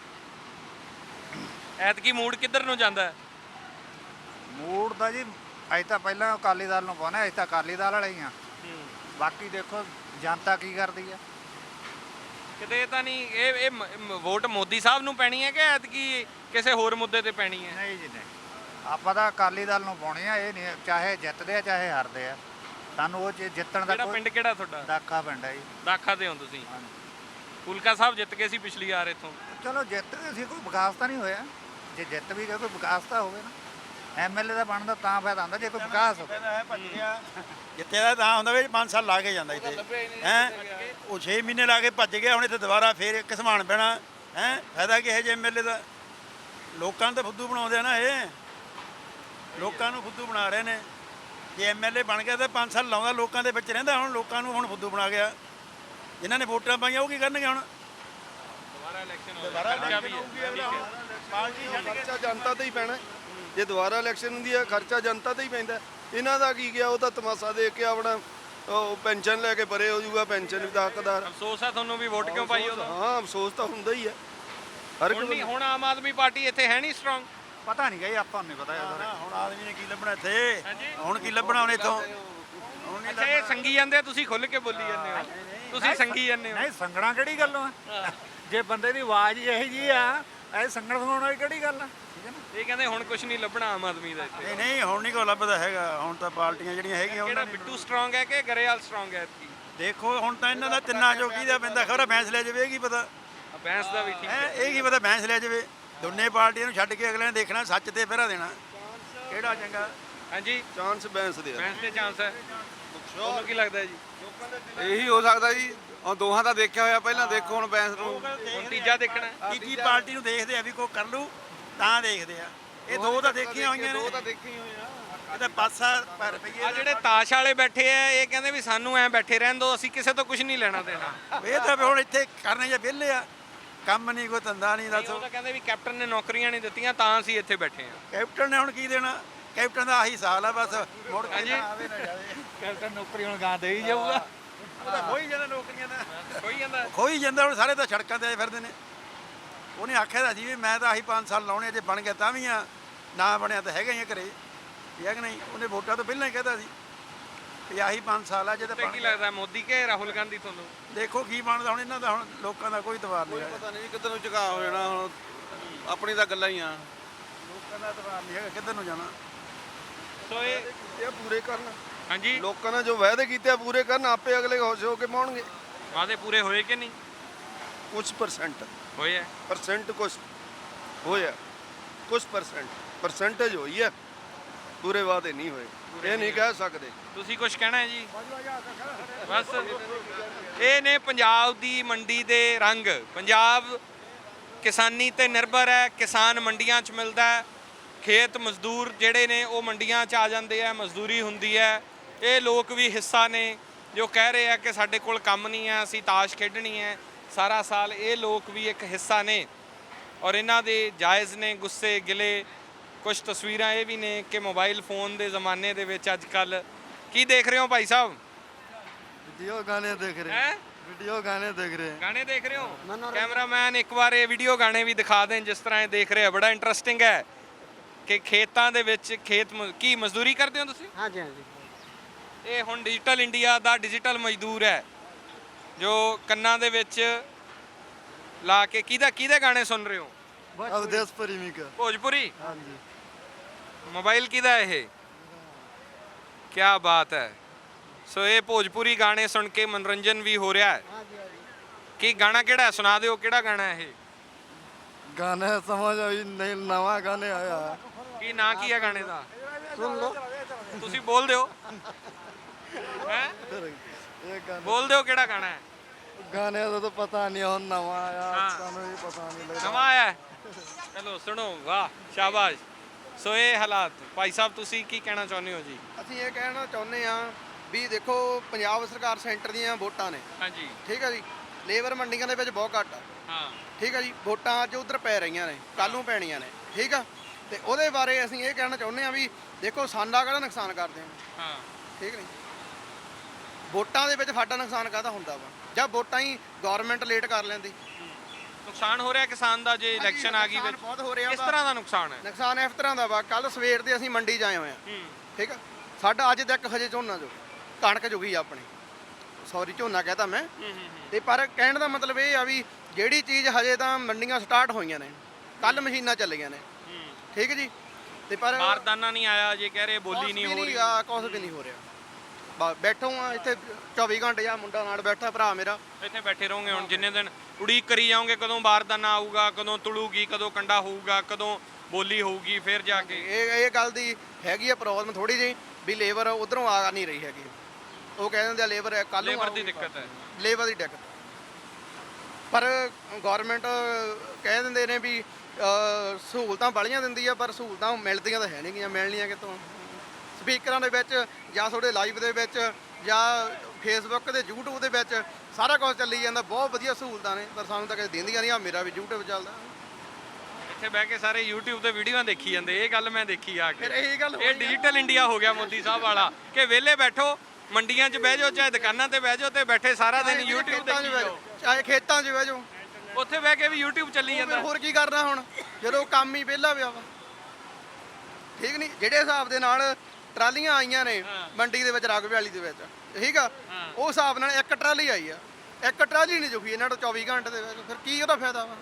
ਐਤਕੀ ਮੂਡ ਕਿੱਧਰ ਨੂੰ ਜਾਂਦਾ?
ਮੂਡ ਦਾ ਜੀ ਅਸੀਂ ਤਾਂ ਪਹਿਲਾਂ ਅਕਾਲੀ ਦਲ ਨੂੰ ਪਾਉਣਾ, ਅਸੀਂ ਤਾਂ ਅਕਾਲੀ ਦਲ ਵਾਲੇ ਹੀ ਆ। ਬਾਕੀ ਦੇਖੋ ਜਨਤਾ ਕੀ ਕਰਦੀ ਆ।
ਕਿਤੇ ਤਾਂ ਨਹੀਂ ਇਹ ਵੋਟ ਮੋਦੀ ਸਾਹਿਬ ਨੂੰ ਪੈਣੀ ਹੈ ਕਿ ਐਤਕੀ ਕਿਸੇ ਹੋਰ ਮੁੱਦੇ ਤੇ ਪੈਣੀ ਹੈ?
ਨਹੀਂ ਜੀ, ਨਹੀਂ। ਆਪਾਂ ਤਾਂ ਅਕਾਲੀ ਦਲ ਨੂੰ ਪਾਉਣੀ ਆ। ਇਹ ਨਹੀਂ ਚਾਹੇ ਜਿੱਤਦੇ ਆ ਚਾਹੇ ਹਾਰਦੇ ਆ, ਸਾਨੂੰ ਉਹ ਜਿੱਤਣ ਦਾ।
ਕਿਹੜਾ ਪਿੰਡ ਕਿਹੜਾ ਤੁਹਾਡਾ?
ਦਾਖਾ ਪਿੰਡ ਹੈ ਜੀ।
ਦਾਖਾ ਦੇ ਹੋ ਤੁਸੀਂ? ਫੁਲਕਾ ਸਾਹਿਬ ਜਿੱਤ ਗਏ ਸੀ ਪਿਛਲੀ ਵਾਰ ਇੱਥੋਂ।
ਚਲੋ ਜਿੱਤ ਗਏ ਸੀ, ਕੋਈ ਵਿਕਾਸ ਤਾਂ ਨਹੀਂ ਹੋਇਆ। ਜੇ ਜਿੱਤ ਵੀ ਗਏ ਕੋਈ ਵਿਕਾਸ ਤਾਂ ਹੋਵੇ ਨਾ। ਐਮਐਲਏ ਦਾ ਬਣਦਾ ਤਾਂ ਫਾਇਦਾ ਹੁੰਦਾ ਜੇ ਕੋਈ ਵਿਕਾਸ ਹੋਵੇ।
ਜਿੱਤੇ ਦਾ ਤਾਂ ਹੁੰਦਾ ਵੀ 5 ਸਾਲ ਲਾ ਕੇ ਜਾਂਦਾ ਇੱਥੇ ਹੈ। ਉਹ 6 ਮਹੀਨੇ ਲਾ ਕੇ ਭੱਜ ਗਿਆ, ਹੁਣ ਇੱਥੇ ਦੁਬਾਰਾ ਫੇਰ ਘਸਮਾਨ ਪੈਣਾ ਹੈ। ਫਾਇਦਾ ਕੀ ਹੈ ਜੇ ਐਮਐਲਏ ਦਾ? ਲੋਕਾਂ ਨੂੰ ਤਾਂ ਫੁੱਦੂ ਬਣਾਉਂਦੇ ਆ ਨਾ, ਇਹ ਲੋਕਾਂ ਨੂੰ ਫੁੱਦੂ ਬਣਾ ਰਹੇ ਨੇ। ਜੇ ਐਮਐਲਏ ਬਣ ਗਿਆ ਤਾਂ 5 ਸਾਲ ਲਾਉਂਦਾ, ਲੋਕਾਂ ਦੇ ਵਿੱਚ ਰਹਿੰਦਾ। ਹੁਣ ਲੋਕਾਂ ਨੂੰ ਹੁਣ ਫੁੱਦੂ ਬਣਾ ਗਿਆ। ਜਿਨ੍ਹਾਂ ਨੇ ਵੋਟਾਂ ਪਾਈਆਂ ਉਹ ਕੀ ਕਰਨਗੇ ਹੁਣ?
ਦੁਬਾਰਾ ਇਲੈਕਸ਼ਨ
ਦੁਬਾਰਾ ਇਲੈਕਸ਼ਨ ਹੋਊਗੀ ਅਗਲਾ ਹੁਣ ਪਾਰਟੀ ਛੱਡ ਕੇ।
ਖਰਚਾ ਜਨਤਾ ਤੇ ਹੀ ਪੈਣਾ। ਜੇ ਦੁਬਾਰਾ ਇਲੈਕਸ਼ਨ ਹੁੰਦੀ ਹੈ ਖਰਚਾ ਜਨਤਾ ਤੇ ਹੀ ਪੈਂਦਾ। ਇਹਨਾਂ ਦਾ ਕੀ ਗਿਆ, ਉਹ ਤਾਂ ਤਮਾਸ਼ਾ ਦੇਖ ਕੇ ਆਪਣਾ ਉਹ ਪੈਨਸ਼ਨ ਲੈ ਕੇ ਪਰੇ ਹੋ ਜਾਊਗਾ, ਪੈਨਸ਼ਨ ਵੀ ਦਾ ਹੱਕਦਾਰ।
ਅਫਸੋਸ ਹੈ ਤੁਹਾਨੂੰ ਵੀ ਵੋਟ ਕਿਉਂ ਪਾਈ ਉਦੋਂ?
ਹਾਂ ਅਫਸੋਸ ਤਾਂ ਹੁੰਦਾ ਹੀ ਹੈ ਹਰ
ਹੁਣ
ਇੱਕ
ਨਹੀਂ, ਹੁਣ ਆਮ ਆਦਮੀ ਪਾਰਟੀ ਇੱਥੇ ਹੈ ਨਹੀਂ ਸਟਰੋਂਗ।
ਪਤਾ ਨਹੀਂ ਗਈ, ਆਪਾਂ ਨੂੰ ਨਹੀਂ ਪਤਾ
ਨਾ,
ਯਾਰ।
ਨਾ, ਹੁਣ ਆਦਮੀ ਨੇ ਕੀ ਲੱਭਣਾ ਇੱਥੇ? ਹੁਣ ਕੀ ਲੱਭਣਾ ਹੁਣ ਇੱਥੋਂ? ਹੁਣ ਨਹੀਂ
ਅੱਛਾ ਇਹ ਸੰਗੀ ਜਾਂਦੇ ਆ, ਤੁਸੀਂ ਖੁੱਲ ਕੇ ਬੋਲੀ ਜਾਂਦੇ ਹੋ, ਤੁਸੀਂ ਸੰਗੀ ਜਾਂਦੇ ਹੋ।
ਨਹੀਂ ਸੰਗਣਾ ਕਿਹੜੀ ਗੱਲੋਂ ਆ? ਜੇ ਬੰਦੇ ਦੀ ਆਵਾਜ਼ ਇਹੋ ਜੀ ਆ, ਇਹ ਸੰਗਣ ਸੁਣਾਉਣ ਵਾਲੀ ਕਿਹੜੀ ਗੱਲ ਆ? ਠੀਕ ਹੈ ਨਾ।
ਇਹ ਕਹਿੰਦੇ ਹੁਣ ਕੁਝ ਨਹੀਂ ਲੱਭਣਾ ਆਮ ਆਦਮੀ ਦਾ ਇੱਥੇ।
ਨਹੀਂ ਨਹੀਂ, ਹੁਣ ਨਹੀਂ ਕੋਈ ਲੱਭਦਾ ਹੈਗਾ। ਹੁਣ ਤਾਂ ਪਾਰਟੀਆਂ ਜਿਹੜੀਆਂ ਹੈਗੀਆਂ
ਕਿਹੜਾ
ਉਹਨਾਂ ਨੇ
ਬਿੱਟੂ ਸਟਰੋਂਗ ਹੈ ਕਿ ਗਰੇਵਾਲ ਸਟਰੋਂਗ ਹੈ ਐਤਕੀ?
ਦੇਖੋ ਹੁਣ ਤਾਂ ਇਹਨਾਂ ਦਾ ਤਿੰਨਾਂ ਚੋਂ ਕਿਹਦਾ ਪੈਂਦਾ। ਖਬਰ ਬੈਂਸ ਲੈ ਜਾਵੇ, ਇਹ ਕੀ ਪਤਾ
ਬੈਂਸ ਦਾ ਵੀ ਠੀਕ
ਹੈ?
ਹੈ।
ਇਹ ਕੀ ਪਤਾ ਬੈਂਸ ਲੈ ਜਾਵੇ। ਦੋਨੇ ਪਾਰਟੀਆਂ ਨੂੰ ਛੱਡ ਕੇ ਅਗਲੇ ਨੇ ਦੇਖਣਾ ਸੱਚ ਤੇ ਪਹਿਰਾ ਦੇਣਾ ਕਿਹੜਾ ਚੰਗਾ।
ਹਾਂਜੀ
ਚਾਂਸ ਬੈਂਸ ਦੇ ਆ।
ਬੈਂਸ ਦੇ ਚਾਂਸ ਹੈ। ਤੁਹਾਨੂੰ ਕੀ ਲੱਗਦਾ ਜੀ?
ਇਹੀ ਹੋ ਸਕਦਾ ਜੀ। ਹੁਣ ਦੋਹਾਂ ਦਾ ਦੇਖਿਆ ਹੋਇਆ ਪਹਿਲਾਂ, ਦੇਖੋ ਹੁਣ ਬੈਂਸ ਨੂੰ।
ਹੁਣ ਤੀਜਾ ਦੇਖਣਾ ਹੈ।
ਕੀ ਪਾਰਟੀ ਨੂੰ ਦੇਖਦੇ ਆ ਵੀ ਕੋਈ ਕਰ ਲੂ ਤਾਂ ਦੇਖਦੇ ਆ। ਇਹ ਦੋ ਤਾਂ ਦੇਖੀਆਂ ਹੋਈਆਂ ਨੇ।
ਦੋ ਤਾਂ ਦੇਖੀ ਹੋਈਆਂ।
ਇਹ ਤਾਂ ਪਾਸਾ ਪਰ ਰੁਪਈਏ
ਆ ਜਿਹੜੇ ਤਾਸ਼ ਵਾਲੇ ਬੈਠੇ ਆ, ਇਹ ਕਹਿੰਦੇ ਵੀ ਸਾਨੂੰ ਐ ਬੈਠੇ ਰਹਿਣ ਦਿਓ, ਅਸੀਂ ਕਿਸੇ ਤੋਂ ਕੁਝ ਨਹੀਂ ਲੈਣਾ ਦੇਣਾ।
ਇਹ ਤਾਂ ਵੀ ਹੁਣ ਇੱਥੇ ਕਰਨੇ ਜਾਂ ਵਿਹਲੇ ਆ, ਕੰਮ ਨਹੀਂ ਕੋਈ ਧੰਦਾ ਨਹੀਂ।
ਉਹ
ਦੱਸੋ
ਤਾਂ ਕਹਿੰਦੇ ਵੀ ਕੈਪਟਨ ਨੇ ਨੌਕਰੀਆਂ ਨਹੀਂ ਦਿੱਤੀਆਂ ਤਾਂ ਅਸੀਂ ਇੱਥੇ ਬੈਠੇ ਆ।
ਕੈਪਟਨ ਨੇ ਹੁਣ ਕੀ ਦੇਣਾ? ਕੈਪਟਨ ਦਾ ਆਹੀ ਸਾਲ ਆ ਬਸ, ਮੁੜ ਕੇ ਨਾ ਆਵੇ ਨਾ ਜਾਵੇ।
ਕੈਪਟਨ ਨੌਕਰੀ ਹੁਣ ਗਾਂ ਦੇ ਹੀ ਜਾਊਗਾ।
ਉਹ ਤਾਂ ਖੋਈ ਜਾਂਦਾ ਨੌਕਰੀਆਂ ਦਾ,
ਕੋਈ ਜਾਂਦਾ
ਖੋਈ ਜਾਂਦਾ। ਹੁਣ ਸਾਰੇ ਤਾਂ ਸੜਕਾਂ ਤੇ ਆਏ ਫਿਰਦੇ ਨੇ। ਉਹਨੇ ਆਖਿਆ ਤਾਂ ਸੀ ਵੀ ਮੈਂ ਤਾਂ ਆਹੀ 5 ਸਾਲ ਲਾਉਣੇ, ਜੇ ਬਣ ਗਿਆ ਤਾਂ ਵੀ ਆ, ਨਾ ਬਣਿਆ ਤਾਂ ਹੈਗਾ ਹੀ ਆ ਘਰੇ। ਠੀਕ ਹੈ ਕਿ ਨਹੀਂ? ਉਹਨੇ ਵੋਟਾਂ ਤੋਂ ਪਹਿਲਾਂ ਹੀ ਕਹਿਤਾ ਸੀ ਵੀ ਆਹੀ 5 ਸਾਲ ਆ। ਜੇ ਤਾਂ
ਤੇ
ਬਣ
ਕੀ
ਗਿਆ
ਲੱਗਦਾ ਮੋਦੀ ਕੇ ਰਾਹੁਲ ਗਾਂਧੀ ਤੁਹਾਨੂੰ?
ਦੇਖੋ ਕੀ ਬਣਦਾ ਹੁਣ ਇਹਨਾਂ ਦਾ। ਹੁਣ ਲੋਕਾਂ ਦਾ ਕੋਈ ਤਵਾਰ ਨਹੀਂ ਹੈਗਾ।
ਪਤਾ ਨਹੀਂ ਕਿੱਧਰ ਨੂੰ ਝੁਕਾ ਹੋ ਜਾਣਾ। ਹੁਣ ਆਪਣੀ ਤਾਂ ਗੱਲਾਂ ਹੀ ਆ।
ਲੋਕਾਂ ਦਾ ਤਵਾਰ ਨਹੀਂ ਹੈਗਾ ਕਿੱਧਰ ਨੂੰ ਜਾਣਾ।
ਸੋ
ਇਹ ਪੂਰੇ ਕਰਨ।
ਹਾਂਜੀ
ਲੋਕਾਂ ਨੇ ਜੋ ਵਾਅਦੇ ਕੀਤੇ ਆ ਪੂਰੇ ਕਰਨ, ਆਪੇ ਅਗਲੇ ਖੁਸ਼ ਹੋ ਕੇ ਪਾਉਣਗੇ।
ਵਾਅਦੇ ਪੂਰੇ ਹੋਏ ਕਿ ਨਹੀਂ
ਕੁਝ ਪਰਸੈਂਟ
ਹੋਏ ਆ?
ਕੁਝ ਹੋਇਆ, ਕੁਝ ਪਰਸੈਂਟੇਜ ਹੋਈ ਹੈ, ਪੂਰੇ ਵਾਅਦੇ ਨਹੀਂ ਹੋਏ। ਇਹ ਨਹੀਂ ਕਹਿ ਸਕਦੇ।
ਤੁਸੀਂ ਕੁਝ ਕਹਿਣਾ ਹੈ ਜੀ? ਬਸ ਇਹ ਨੇ ਪੰਜਾਬ ਦੀ ਮੰਡੀ ਦੇ ਰੰਗ। ਪੰਜਾਬ ਕਿਸਾਨੀ ਤੇ ਨਿਰਭਰ ਹੈ। ਕਿਸਾਨ ਮੰਡੀਆਂ 'ਚ ਮਿਲਦਾ ਹੈ। ਖੇਤ ਮਜ਼ਦੂਰ ਜਿਹੜੇ ਨੇ ਉਹ ਮੰਡੀਆਂ 'ਚ ਆ ਜਾਂਦੇ ਆ, ਮਜ਼ਦੂਰੀ ਹੁੰਦੀ ਹੈ। ਇਹ ਲੋਕ ਵੀ ਹਿੱਸਾ ਨੇ ਜੋ ਕਹਿ ਰਹੇ ਆ ਕਿ ਸਾਡੇ ਕੋਲ ਕੰਮ ਨਹੀਂ ਹੈ, ਅਸੀਂ ਤਾਸ਼ ਖੇਡਣੀ ਹੈ ਸਾਰਾ ਸਾਲ। ਇਹ ਲੋਕ ਵੀ ਇੱਕ ਹਿੱਸਾ ਨੇ ਔਰ ਇਹਨਾਂ ਦੇ ਜਾਇਜ਼ ਨੇ ਗੁੱਸੇ ਗਿਲੇ। ਕੁਝ ਤਸਵੀਰਾਂ ਇਹ ਵੀ ਨੇ ਕਿ ਮੋਬਾਈਲ ਫੋਨ ਦੇ ਜ਼ਮਾਨੇ ਦੇ ਵਿੱਚ ਅੱਜ ਕੱਲ ਕੀ ਦੇਖ ਰਹੇ ਹੋ ਭਾਈ ਸਾਹਿਬ?
ਵੀਡੀਓ ਗਾਣੇ ਦੇਖ ਰਹੇ
ਹੈ
ਵੀਡੀਓ ਗਾਣੇ ਦੇਖ ਰਹੇ
ਗਾਣੇ ਦੇਖ ਰਹੇ ਹੋ? ਕੈਮਰਾਮੈਨ ਇੱਕ ਵਾਰ ਇਹ ਵੀਡੀਓ ਗਾਣੇ ਵੀ ਦਿਖਾ ਦੇਣ ਜਿਸ ਤਰ੍ਹਾਂ ਇਹ ਦੇਖ ਰਹੇ ਆ। ਬੜਾ ਇੰਟਰਸਟਿੰਗ ਹੈ ਕਿ ਖੇਤਾਂ ਦੇ ਵਿੱਚ ਕੀ ਮਜ਼ਦੂਰੀ ਕਰਦੇ ਹੋ ਤੁਸੀਂ?
ਹਾਂਜੀ ਹਾਂਜੀ।
ਇਹ ਹੁਣ ਡਿਜੀਟਲ ਇੰਡੀਆ ਦਾ ਡਿਜੀਟਲ ਮਜ਼ਦੂਰ ਹੈ ਜੋ ਕੰਨਾਂ ਦੇ ਵਿੱਚ ਲਾ ਕੇ ਕਿਹਦੇ ਗਾਣੇ ਸੁਣ ਰਹੇ ਹੋ?
ਅਵਦੇਸ਼ ਪਰਿਮਿਕਾ।
ਭੋਜਪੁਰੀ?
ਹਾਂਜੀ।
ਮੋਬਾਈਲ ਕਿਹਦਾ ਇਹ? ਕੀ ਬਾਤ ਹੈ। ਸੋ ਇਹ ਭੋਜਪੁਰੀ ਗਾਣੇ ਸੁਣ ਕੇ ਮਨੋਰੰਜਨ ਵੀ ਹੋ ਰਿਹਾ ਹੈ। ਕੀ ਗਾਣਾ ਕਿਹੜਾ ਹੈ? ਸੁਣਾ ਦਿਓ ਕਿਹੜਾ ਗਾਣਾ ਹੈ ਇਹ?
ਗਾਣੇ ਸਮਝ ਆਈ ਨਹੀਂ, ਨਵਾਂ ਗਾਣੇ ਆਇਆ।
ਕੀ ਨਾਂ ਕੀ ਹੈ ਗਾਣੇ ਦਾ?
ਸੁਣ ਲਓ।
ਤੁਸੀਂ ਬੋਲ ਦਿਓ। ਹੈ
ਇਹ ਗਾਣੇ
ਬੋਲ ਦਿਓ ਕਿਹੜਾ ਗਾਣਾ ਹੈ?
ਗਾਣੇ ਦਾ ਤਾਂ ਪਤਾ ਨਹੀਂ, ਹੁਣ ਨਵਾਂ ਆਇਆ,
ਹਾਂ।
ਸਾਨੂੰ ਵੀ ਪਤਾ ਨਹੀਂ ਲੱਗਦਾ।
ਨਵਾਂ ਆਇਆ ਹੈ? ਚਲੋ ਸੁਣੋ। ਵਾਹ ਸ਼ਾਬਾਸ਼। ਸੋ ਇਹ ਹਾਲਾਤ। ਭਾਈ ਸਾਹਿਬ ਤੁਸੀਂ ਕੀ ਕਹਿਣਾ ਚਾਹੁੰਦੇ ਹੋ ਜੀ?
ਅਸੀਂ ਇਹ ਕਹਿਣਾ ਚਾਹੁੰਦੇ ਆ ਵੀ ਦੇਖੋ ਪੰਜਾਬ ਸਰਕਾਰ ਸੈਂਟਰ ਦੀਆਂ ਵੋਟਾਂ ਨੇ,
ਹਾਂਜੀ
ਠੀਕ ਹੈ ਜੀ। ਲੇਬਰ ਮੰਡੀਆਂ ਦੇ ਵਿੱਚ ਬਹੁਤ ਘੱਟ ਆ,
ਹਾਂ
ਠੀਕ ਹੈ ਜੀ। ਵੋਟਾਂ ਅੱਜ ਉਧਰ ਪੈ ਰਹੀਆਂ ਨੇ, ਕੱਲ੍ਹ ਨੂੰ ਪੈਣੀਆਂ ਨੇ, ਠੀਕ ਆ। ਤੇ ਉਹਦੇ ਬਾਰੇ ਅਸੀਂ ਇਹ ਕਹਿਣਾ ਚਾਹੁੰਦੇ ਆ ਵੀ ਦੇਖੋ ਸਾਡਾ ਕਿਹੜਾ ਨੁਕਸਾਨ ਕਰਦੇ ਆ,
ਹਾਂ
ਠੀਕ ਨਹੀਂ। ਵੋਟਾਂ ਦੇ ਵਿੱਚ ਸਾਡਾ ਨੁਕਸਾਨ ਕਾਹਦਾ ਹੁੰਦਾ ਵਾ? ਜਾਂ ਵੋਟਾਂ ਹੀ ਗਵਰਨਮੈਂਟ ਲੇਟ ਕਰ ਲੈਂਦੀ।
ਨੁਕਸਾਨ ਹੋ ਰਿਹਾ ਕਿਸਾਨ ਦਾ ਜੇ ਇਲੈਕਸ਼ਨ ਆ ਗਈ
ਨੁਕਸਾਨ
ਵਿੱਚ?
ਬਹੁਤ ਹੋ ਰਿਹਾ
ਕਿਸ
ਵਾ।
ਤਰ੍ਹਾਂ ਦਾ ਨੁਕਸਾਨ ਹੈ?
ਨੁਕਸਾਨ ਇਸ ਤਰ੍ਹਾਂ ਦਾ ਵਾ, ਕੱਲ ਸਵੇਰ ਦੇ ਅਸੀਂ ਮੰਡੀ 'ਚ ਆਏ ਹੋਏ ਆ,
ਹੂੰ
ਠੀਕ ਆ। ਸਾਡਾ ਅੱਜ ਤੱਕ ਹਜੇ ਝੋਨਾ ਜੋ ਕਣਕ ਜੁਗੀ ਆਪਣੀ, ਸੌਰੀ ਝੋਨਾ ਕਹਤਾ ਮੈਂ। ਤੇ ਪਰ ਕਹਿਣ ਦਾ ਮਤਲਬ ਇਹ ਆ ਵੀ ਜਿਹੜੀ ਚੀਜ਼ ਹਜੇ ਤਾਂ ਮੰਡੀਆਂ ਸਟਾਰਟ ਹੋਈਆਂ ਨੇ, ਕੱਲ ਮਸ਼ੀਨਾਂ ਚੱਲੀਆਂ ਨੇ, ਠੀਕ ਜੀ। ਤੇ ਪਰ
ਬਾਰਦਾਨਾ ਨਹੀਂ ਆਇਆ ਜੇ ਕਹਿ ਰਹੇ, ਬੋਲੀ ਨਹੀਂ ਹੋ ਰਹੀ।
ਕੁਛ ਵੀ ਨਹੀਂ ਹੋ ਰਿਹਾ। ਬੈਠੋ ਆ ਇੱਥੇ 24 ਘੰਟੇ ਆ ਮੁੰਡਾ ਨਾਲ ਬੈਠਾ ਭਰਾ ਮੇਰਾ।
ਇੱਥੇ ਬੈਠੇ ਰਹੋਗੇ ਹੁਣ ਜਿੰਨੇ ਦਿਨ? ਉਡੀਕ ਕਰੀ ਜਾਓਗੇ ਕਦੋਂ ਬਾਰਦਾਨਾ ਆਊਗਾ, ਕਦੋਂ ਤੁਲੂਗੀ, ਕਦੋਂ ਕੰਡਾ ਹੋਊਗਾ, ਕਦੋਂ ਬੋਲੀ ਹੋਊਗੀ, ਫਿਰ ਜਾ ਕੇ।
ਇਹ ਗੱਲ ਦੀ ਹੈਗੀ ਆ ਪ੍ਰੋਬਲਮ ਥੋੜੀ ਜਿਹੀ ਵੀ ਲੇਬਰ ਉਧਰੋਂ ਆ ਨਹੀਂ ਰਹੀ ਹੈਗੀ। ਉਹ ਕਹਿ ਦਿੰਦੇ ਆ ਲੇਬਰ ਕੱਲ ਨੂੰ
ਲੇਬਰ ਦੀ ਦਿੱਕਤ ਹੈ।
ਲੇਬਰ ਦੀ ਦਿੱਕਤ। ਪਰ ਗਵਰਨਮੈਂਟ ਕਹਿ ਦਿੰਦੇ ਨੇ ਵੀ ਸਹੂਲਤਾਂ ਬੜੀਆਂ ਦਿੰਦੀ ਆ, ਪਰ ਸਹੂਲਤਾਂ ਮਿਲਦੀਆਂ ਤਾਂ ਹੈ ਨਹੀਂ ਗੀਆਂ। ਮਿਲਣੀਆਂ ਕਿਤੋਂ? ਸਪੀਕਰਾਂ ਦੇ ਵਿੱਚ ਜਾਂ ਤੁਹਾਡੇ ਲਾਈਵ ਦੇ ਵਿੱਚ ਜਾਂ ਫੇਸਬੁੱਕ ਤੇ YouTube ਦੇ ਵਿੱਚ ਸਾਰਾ ਕੁਝ ਚੱਲੀ ਜਾਂਦਾ। ਬਹੁਤ ਵਧੀਆ ਸਹੂਲਤਾਂ ਨੇ, ਪਰ ਸਾਨੂੰ ਤਾਂ ਕਦੇ ਦਿੰਦੀਆਂ ਨਹੀਂ। ਆ ਮੇਰਾ ਵੀ YouTube ਚੱਲਦਾ,
ਇੱਥੇ ਬਹਿ ਕੇ ਸਾਰੇ YouTube ਤੇ ਵੀਡੀਓਆਂ ਦੇਖੀ ਜਾਂਦੇ। ਇਹ ਗੱਲ ਮੈਂ ਦੇਖੀ ਆ ਕੇ।
ਫਿਰ ਇਹੀ ਗੱਲ
ਇਹ ਡਿਜੀਟਲ ਇੰਡੀਆ ਹੋ ਗਿਆ ਮੋਦੀ ਸਾਹਿਬ ਵਾਲਾ ਕਿ ਵਿਹਲੇ ਬੈਠੋ, ਮੰਡੀਆਂ 'ਚ ਬਹਿ ਜਾਓ, ਚਾਹੇ ਦੁਕਾਨਾਂ ਤੇ ਬਹਿ ਜਾਓ, ਤੇ ਬੈਠੇ ਸਾਰਾ ਦਿਨ YouTube ਦੇਖੀ ਜਾਓ।
ਚਾਹੇ ਖੇਤਾਂ 'ਚ ਬਹਿ ਜਾਓ,
ਉੱਥੇ ਬਹਿ ਕੇ ਵੀ YouTube ਚੱਲੀ
ਫਿਰ
ਜਾਂਦਾ।
ਹੋਰ ਕੀ ਕਰਨਾ ਹੁਣ ਜਦੋਂ ਕੰਮ ਹੀ ਵਿਹਲਾ ਪਿਆ ਵਾ। ਠੀਕ ਨਹੀਂ, ਜਿਹੜੇ ਹਿਸਾਬ ਦੇ ਨਾਲ ਟਰਾਲੀਆਂ ਆਈਆਂ ਨੇ ਮੰਡੀ ਦੇ ਵਿੱਚ ਰਾਗਵੇ ਵਾਲੀ ਦੇ ਵਿੱਚ, ਠੀਕ ਆ, ਉਹ ਹਿਸਾਬ ਨਾਲ ਇੱਕ ਟਰਾਲੀ ਆਈ ਆ, ਇੱਕ ਟਰਾਲੀ ਨਹੀਂ ਜੁਗੀ ਇਹਨਾਂ ਤੋਂ 24 ਘੰਟੇ ਦੇ ਵਿੱਚ। ਫਿਰ ਕੀ ਉਹਦਾ ਫਾਇਦਾ ਵਾ?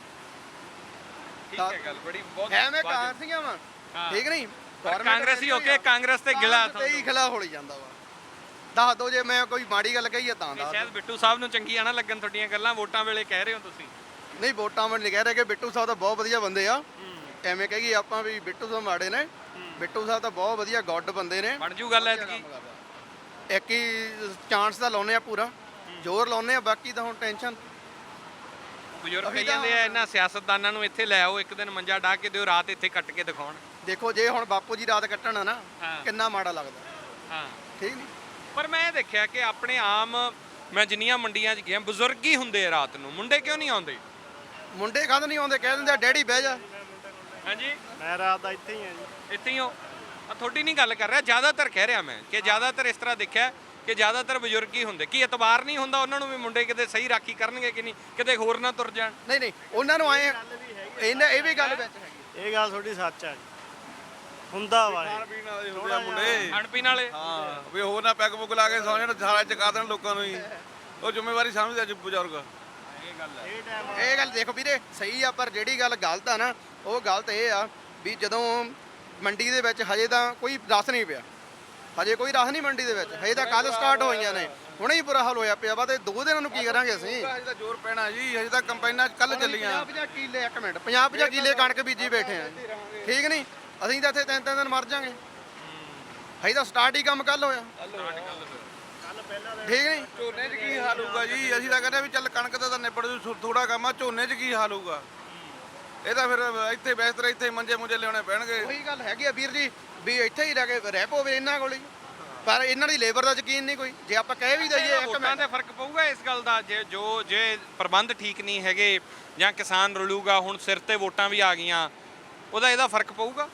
ਠੀਕ ਹੈ ਗੱਲ, ਬੜੀ ਬਹੁਤ
ਐਵੇਂ ਕਾਂਗਰਸੀਆਂ ਵਾ, ਠੀਕ ਨਹੀਂ,
ਕਾਂਗਰਸੀ ਹੋ ਕੇ ਕਾਂਗਰਸ ਤੇ ਗਿਲਾ
ਤੇ ਹੀ ਖਿਲਾ ਹੋਲੀ ਜਾਂਦਾ ਵਾ। ਦੱਸ ਦੋ ਜੇ ਮੈਂ ਕੋਈ ਮਾੜੀ ਗੱਲ ਕਹੀ ਆ ਤਾਂ ਦੱਸ
ਸ਼ਾਇਦ ਬਿੱਟੂ ਸਾਹਿਬ ਨੂੰ ਚੰਗੀਆਂ ਨਾ ਲੱਗਣ ਤੁਹਾਡੀਆਂ ਗੱਲਾਂ, ਵੋਟਾਂ ਵੇਲੇ ਕਹਿ ਰਹੇ ਹੋ ਤੁਸੀਂ।
ਨਹੀਂ, ਵੋਟਾਂ ਮੈਂ ਨਹੀਂ ਕਹਿ ਰਿਹਾ ਕਿ ਬਿੱਟੂ ਸਾਹਿਬ ਤਾਂ ਬਹੁਤ ਵਧੀਆ ਬੰਦੇ ਆ, ਐਵੇਂ ਕਹੀਏ ਆਪਾਂ ਵੀ ਬਿੱਟੂ ਸਾਹਿਬ ਮਾੜੇ ਨੇ। ਬਿੱਟੂ ਸਾਹਿਬ ਤਾਂ ਬਹੁਤ ਵਧੀਆ ਗੁੱਡ ਬੰਦੇ ਨੇ।
ਬਣ ਜੂ ਗੱਲ ਐਤਕੀ?
ਇੱਕ ਹੀ ਚਾਂਸ ਤਾਂ ਲਾਉਨੇ ਆ, ਪੂਰਾ ਜ਼ੋਰ ਲਾਉਨੇ ਆ, ਬਾਕੀ ਤਾਂ ਹੁਣ ਟੈਨਸ਼ਨ।
ਬਜ਼ੁਰਗ ਕਹੀ ਜਾਂਦੇ ਆ ਇਹਨਾਂ ਸਿਆਸਤਦਾਨਾਂ ਨੂੰ ਇੱਥੇ ਲੈ ਆਓ, ਇੱਕ ਦਿਨ ਮੰਜਾ ਢਾ ਕੇ ਦਿਓ, ਰਾਤ ਇੱਥੇ ਕੱਟ ਕੇ ਦਿਖਾਉਣ।
ਦੇਖੋ ਜੇ ਹੁਣ ਬਾਪੂ ਜੀ ਰਾਤ ਕੱਟਣ ਆ ਨਾ, ਕਿੰਨਾ ਮਾੜਾ ਲੱਗਦਾ।
ਹਾਂ,
ਠੀਕ ਨਹੀਂ,
ਪਰ ਮੈਂ ਇਹ ਦੇਖਿਆ ਕਿ ਆਪਣੇ ਆਮ ਮੈਂ ਜਿੰਨੀਆਂ ਮੰਡੀਆਂ 'ਚ ਗਿਆ, ਬਜ਼ੁਰਗ ਹੀ ਹੁੰਦੇ ਆ ਰਾਤ ਨੂੰ, ਮੁੰਡੇ ਕਿਉਂ ਨਹੀਂ ਆਉਂਦੇ?
ਮੁੰਡੇ ਕਦ ਨਹੀਂ ਆਉਂਦੇ, ਕਹਿ ਦਿੰਦੇ ਆ ਡੈਡੀ ਬਹਿ ਜਾ।
ਹਾਂਜੀ,
ਮੈਂ ਰਾਤ ਦਾ ਇੱਥੇ ਹੀ ਆ ਜੀ।
ਇੱਥੇ ਹੀ ਹੋ? ਤੁਹਾਡੀ ਨਹੀਂ ਗੱਲ ਕਰ ਰਿਹਾ, ਜ਼ਿਆਦਾਤਰ ਕਹਿ ਰਿਹਾ ਮੈਂ ਕਿ ਜ਼ਿਆਦਾਤਰ ਇਸ ਤਰ੍ਹਾਂ ਦੇਖਿਆ ਕਿ ਜ਼ਿਆਦਾਤਰ ਬਜ਼ੁਰਗ ਹੀ ਹੁੰਦੇ। ਕੀ ਇਤਬਾਰ ਨਹੀਂ ਹੁੰਦਾ ਉਹਨਾਂ ਨੂੰ ਵੀ ਮੁੰਡੇ ਕਿਤੇ ਸਹੀ ਰਾਖੀ ਕਰਨਗੇ ਕਿ ਨਹੀਂ, ਕਿਤੇ ਹੋਰ ਨਾ ਤੁਰ ਜਾਣ?
ਨਹੀਂ ਨਹੀਂ, ਉਹਨਾਂ ਨੂੰ ਆਏ ਇਹ ਵੀ ਗੱਲ ਵਿੱਚ ਹੈਗੀ।
ਇਹ ਗੱਲ ਤੁਹਾਡੀ ਸੱਚ ਆ ਜੀ, ਹੁੰਦਾ ਵਾ
ਖਾਣ ਪੀਣ ਵਾਲੇ ਹੁੰਦੇ ਆ ਮੁੰਡੇ।
ਖਾਣ ਪੀਣ ਵਾਲੇ?
ਹਾਂ, ਵੀ ਹੋਰ ਨਾ ਪੈਗ ਪੁੱਗ ਲਾ ਕੇ ਸੌ ਜਾਣ, ਸਾਰਾ ਚਕਾ ਦੇਣ ਲੋਕਾਂ ਨੂੰ ਹੀ। ਉਹ ਜ਼ਿੰਮੇਵਾਰੀ ਸਮਝਦੇ ਅੱਜ ਬਜ਼ੁਰਗ।
ਇਹ ਗੱਲ ਦੇਖੋ ਵੀਰੇ, ਸਹੀ ਆ, ਪਰ ਜਿਹੜੀ ਗੱਲ ਗਲਤ ਆ ਨਾ, ਉਹ ਗਲਤ ਇਹ ਆ ਵੀ ਜਦੋਂ ਮੰਡੀ ਦੇ ਵਿੱਚ ਹਜੇ ਤਾਂ ਕੋਈ ਰਸ ਨਹੀਂ ਪਿਆ, ਹਜੇ ਕੋਈ ਰਸ ਨਹੀਂ ਮੰਡੀ ਦੇ ਵਿੱਚ, ਹਜੇ ਤਾਂ ਕੱਲ ਸਟਾਰਟ ਹੋਈਆਂ ਨੇ, ਹੁਣੇ ਹੀ ਬੁਰਾ ਹਾਲ ਹੋਇਆ ਪਿਆ ਵਾ। ਤੇ 2 ਦਿਨਾਂ ਨੂੰ ਕੀ ਕਰਾਂਗੇ ਅਸੀਂ?
ਹਜੇ ਤਾਂ ਜ਼ੋਰ ਪੈਣਾ ਜੀ, ਹਜੇ ਤਾਂ ਕੰਪਾਈਨਾਂ ਕੱਲ ਚੱਲੀਆਂ।
50 ਕਿੱਲੇ, ਇੱਕ ਮਿੰਟ, 50 ਕਿੱਲੇ ਕਣਕ ਬੀਜੀ ਬੈਠੇ ਆ, ਠੀਕ ਨਹੀਂ, ਅਸੀਂ ਤਾਂ ਇੱਥੇ 3 ਦਿਨ ਮਰ ਜਾਾਂਗੇ। ਹਜੇ ਤਾਂ ਸਟਾਰਟ ਹੀ ਕੰਮ ਕੱਲ ਹੋਇਆ, ਠੀਕ ਨਹੀਂ।
ਝੋਨੇ 'ਚ ਕੀ ਹਾਲ ਹੋਊਗਾ ਜੀ? ਅਸੀਂ ਤਾਂ ਕਹਿੰਦੇ ਵੀ ਚੱਲ ਕਣਕ ਦਾ ਤਾਂ ਨਿਬੜ ਜੂ, ਥੋੜਾ ਕੰਮ ਆ, ਝੋਨੇ 'ਚ ਕੀ ਹਾਲ ਹੋਊਗਾ? ਇਹ ਤਾਂ ਫਿਰ ਇੱਥੇ ਬਿਹਤਰ ਇੱਥੇ ਮੰਜੇ ਮੁੰਜੇ ਲਿਆਉਣੇ ਪੈਣਗੇ।
ਉਹੀ ਗੱਲ ਹੈਗੀ ਆ ਵੀਰ ਜੀ, ਵੀ ਇੱਥੇ ਹੀ ਰਹਿ ਪਵੇ ਇਹਨਾਂ ਕੋਲ ਹੀ, ਪਰ ਇਹਨਾਂ ਦੀ ਲੇਬਰ ਦਾ ਯਕੀਨ ਨਹੀਂ ਕੋਈ। ਜੇ ਆਪਾਂ ਕਹਿ ਵੀ ਦਈਏ ਇੱਕ
ਵੋਟਾਂ ਤੇ ਫਰਕ ਪਊਗਾ ਇਸ ਗੱਲ ਦਾ, ਜੇ ਪ੍ਰਬੰਧ ਠੀਕ ਨਹੀਂ ਹੈਗੇ ਜਾਂ ਕਿਸਾਨ ਰੁਲੂਗਾ, ਹੁਣ ਸਿਰ ਤੇ ਵੋਟਾਂ ਵੀ ਆ ਗਈਆਂ, ਇਹਦਾ ਫਰਕ ਪਊਗਾ?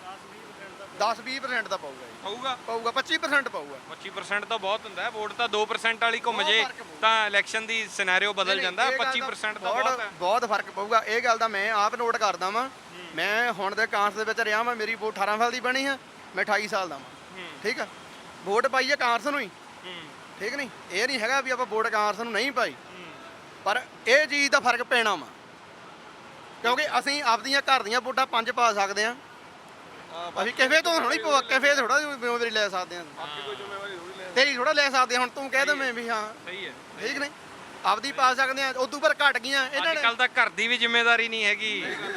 10-20% ਦਾ ਪਊਗਾ ਜੀ,
ਪਊਗਾ
25% ਪਊਗਾ।
25% ਤਾਂ ਬਹੁਤ ਹੁੰਦਾ ਹੈ, ਵੋਟ ਤਾਂ 2% ਵਾਲੀ ਘੁੰਮ ਜੇ ਤਾਂ ਇਲੈਕਸ਼ਨ ਦੀ ਸਿਨੈਰੀਓ ਬਦਲ ਜਾਂਦਾ। 25% ਤਾਂ ਬਹੁਤ ਹੈ,
ਬਹੁਤ ਫਰਕ ਪਊਗਾ। ਇਹ ਗੱਲ ਦਾ ਮੈਂ ਆਪ ਨੋਟ ਕਰਦਾ ਵਾਂ। ਮੈਂ ਹੁਣ ਦੇ ਕਾਂਗਰਸ ਦੇ ਵਿੱਚ ਰਿਹਾ ਵਾਂ, ਮੇਰੀ ਵੋਟ 18 ਸਾਲ ਦੀ ਬਣੀ ਆ, ਮੈਂ 28 ਸਾਲ ਦਾ ਵਾਂ, ਠੀਕ ਆ। ਵੋਟ ਪਾਈ ਆ ਕਾਂਗਰਸ ਨੂੰ ਹੀ, ਠੀਕ ਨਹੀਂ, ਇਹ ਨਹੀਂ ਹੈਗਾ ਵੀ ਆਪਾਂ ਵੋਟ ਕਾਂਗਰਸ ਨੂੰ ਨਹੀਂ ਪਾਈ, ਪਰ ਇਹ ਚੀਜ਼ ਦਾ ਫਰਕ ਪੈਣਾ ਵਾ, ਕਿਉਂਕਿ ਅਸੀਂ ਆਪਦੀਆਂ ਘਰ ਦੀਆਂ ਵੋਟਾਂ 5 ਪਾ ਸਕਦੇ ਆ। ਅਸੀਂ ਕਿਸੇ ਤੋਂ ਥੋੜੀ ਕਿਸੇ ਥੋੜਾ ਜ਼ਿੰਮੇਵਾਰੀ ਲੈ ਸਕਦੇ ਆ, ਤੇਰੀ ਥੋੜਾ ਲੈ ਸਕਦੇ। ਹੁਣ ਤੂੰ ਕਹਿ ਦਵੇਂ ਵੀ ਹਾਂ
ਸਹੀ ਹੈ,
ਠੀਕ ਨਹੀਂ, ਆਪਦੀ ਪਾ ਸਕਦੇ ਆ, ਉਦੋਂ ਪਰ ਘਟ ਗਈਆਂ ਇਹਨਾਂ ਨੇ।
ਅੱਜ ਕੱਲ ਤਾਂ ਘਰ ਦੀ ਵੀ ਜ਼ਿੰਮੇਵਾਰੀ ਨਹੀਂ ਹੈਗੀ,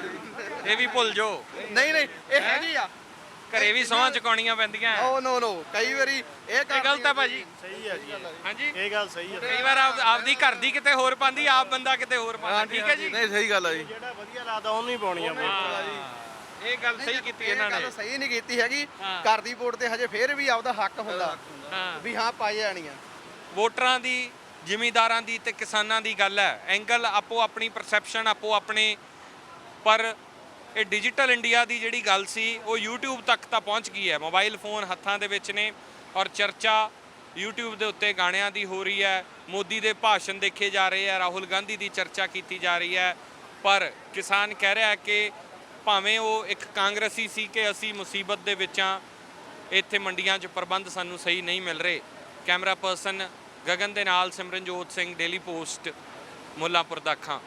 ਇਹ ਵੀ ਭੁੱਲ ਜਾਓ।
ਨਹੀਂ ਨਹੀਂ, ਇਹ ਹੈਗੀ ਆ,
ਘਰੇ ਵੀ ਸਹੁੰ ਚੁਕਾਉਣੀਆਂ ਪੈਂਦੀਆਂ।
ਓ ਨੋ ਕਈ ਵਾਰੀ ਇਹ
ਗਲਤ ਹੈ ਭਾਜੀ।
ਸਹੀ ਆ ਜੀ,
ਹਾਂਜੀ,
ਇਹ ਗੱਲ ਸਹੀ ਆ।
ਕਈ ਵਾਰ ਆਪਦੀ ਘਰ ਦੀ ਕਿਤੇ ਹੋਰ ਪਾਉਂਦੀ, ਆਪ ਬੰਦਾ ਕਿਤੇ ਹੋਰ ਪਾਉਂਦਾ। ਠੀਕ ਹੈ ਜੀ,
ਨਹੀਂ ਸਹੀ ਗੱਲ ਆ ਜੀ,
ਜਿਹੜਾ ਵਧੀਆ ਲੱਗਦਾ ਉਹਨੂੰ ਹੀ ਪਾਉਣੀ ਆ ਵੋਟ।
ਇਹ ਗੱਲ ਸਹੀ ਕੀਤੀ ਇਹਨਾਂ ਨੇ।
ਗੱਲ ਸਹੀ ਨਹੀਂ ਕੀਤੀ ਹੈਗੀ, ਘਰ ਦੀ ਵੋਟ ਤੇ ਹਜੇ ਫੇਰ ਵੀ ਆਪਦਾ ਹੱਕ ਹੁੰਦਾ ਵੀ ਹਾਂ ਪਾਈ ਜਾਣੀ ਆ।
ਵੋਟਰਾਂ ਦੀ, ਜ਼ਿਮੀਂਦਾਰਾਂ ਦੀ ਤੇ ਕਿਸਾਨਾਂ ਦੀ ਗੱਲ ਹੈ, ਐਂਗਲ ਆਪੋ ਆਪਣੀ ਪਰਸੈਪਸ਼ਨ, ਆਪੋ ਆਪਣੇ, ਪਰ ਇਹ ਡਿਜੀਟਲ ਇੰਡੀਆ ਦੀ ਜਿਹੜੀ ਗੱਲ ਸੀ ਉਹ YouTube ਤੱਕ ਤਾਂ ਪਹੁੰਚ ਗਈ ਹੈ। ਮੋਬਾਈਲ ਫੋਨ ਹੱਥਾਂ ਦੇ ਵਿੱਚ ਨੇ ਔਰ ਚਰਚਾ YouTube ਦੇ ਉੱਤੇ ਗਾਣਿਆਂ ਦੀ ਹੋ ਰਹੀ ਹੈ, ਮੋਦੀ ਦੇ ਭਾਸ਼ਣ ਦੇਖੇ ਜਾ ਰਹੇ ਆ, ਰਾਹੁਲ ਗਾਂਧੀ ਦੀ ਚਰਚਾ ਕੀਤੀ ਜਾ ਰਹੀ ਹੈ। ਪਰ ਕਿਸਾਨ ਕਹਿ ਰਿਹਾ ਕਿ ਭਾਵੇਂ ਉਹ ਇੱਕ ਕਾਂਗਰਸੀ ਸੀ ਕਿ ਅਸੀਂ ਮੁਸੀਬਤ ਦੇ ਵਿੱਚ ਆ, ਇੱਥੇ ਮੰਡੀਆਂ 'ਚ ਪ੍ਰਬੰਧ ਸਾਨੂੰ ਸਹੀ ਨਹੀਂ ਮਿਲ ਰਹੇ। ਕੈਮਰਾ ਪਰਸਨ ਗਗਨ ਦੇ ਨਾਲ Simranjot Singh, daily post, Mullanpur Dakha.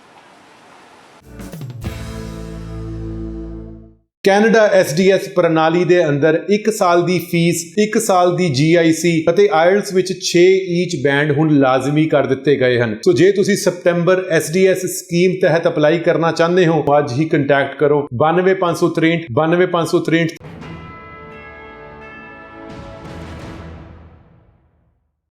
Canada SDS ਪ੍ਰਣਾਲੀ ਦੇ ਅੰਦਰ 1 ਸਾਲ ਦੀ ਫੀਸ, 1 ਸਾਲ ਦੀ GIC ਅਤੇ IELTS ਵਿੱਚ 6 ਈਚ ਬੈਂਡ ਹੁਣ ਲਾਜ਼ਮੀ ਕਰ ਦਿੱਤੇ ਗਏ ਹਨ। ਸੋ ਜੇ ਤੁਸੀਂ ਸਤੰਬਰ SDS ਸਕੀਮ ਤਹਿਤ ਅਪਲਾਈ ਕਰਨਾ ਚਾਹੁੰਦੇ ਹੋ, ਅੱਜ ਹੀ ਕੰਟੈਕਟ ਕਰੋ 92563 92563।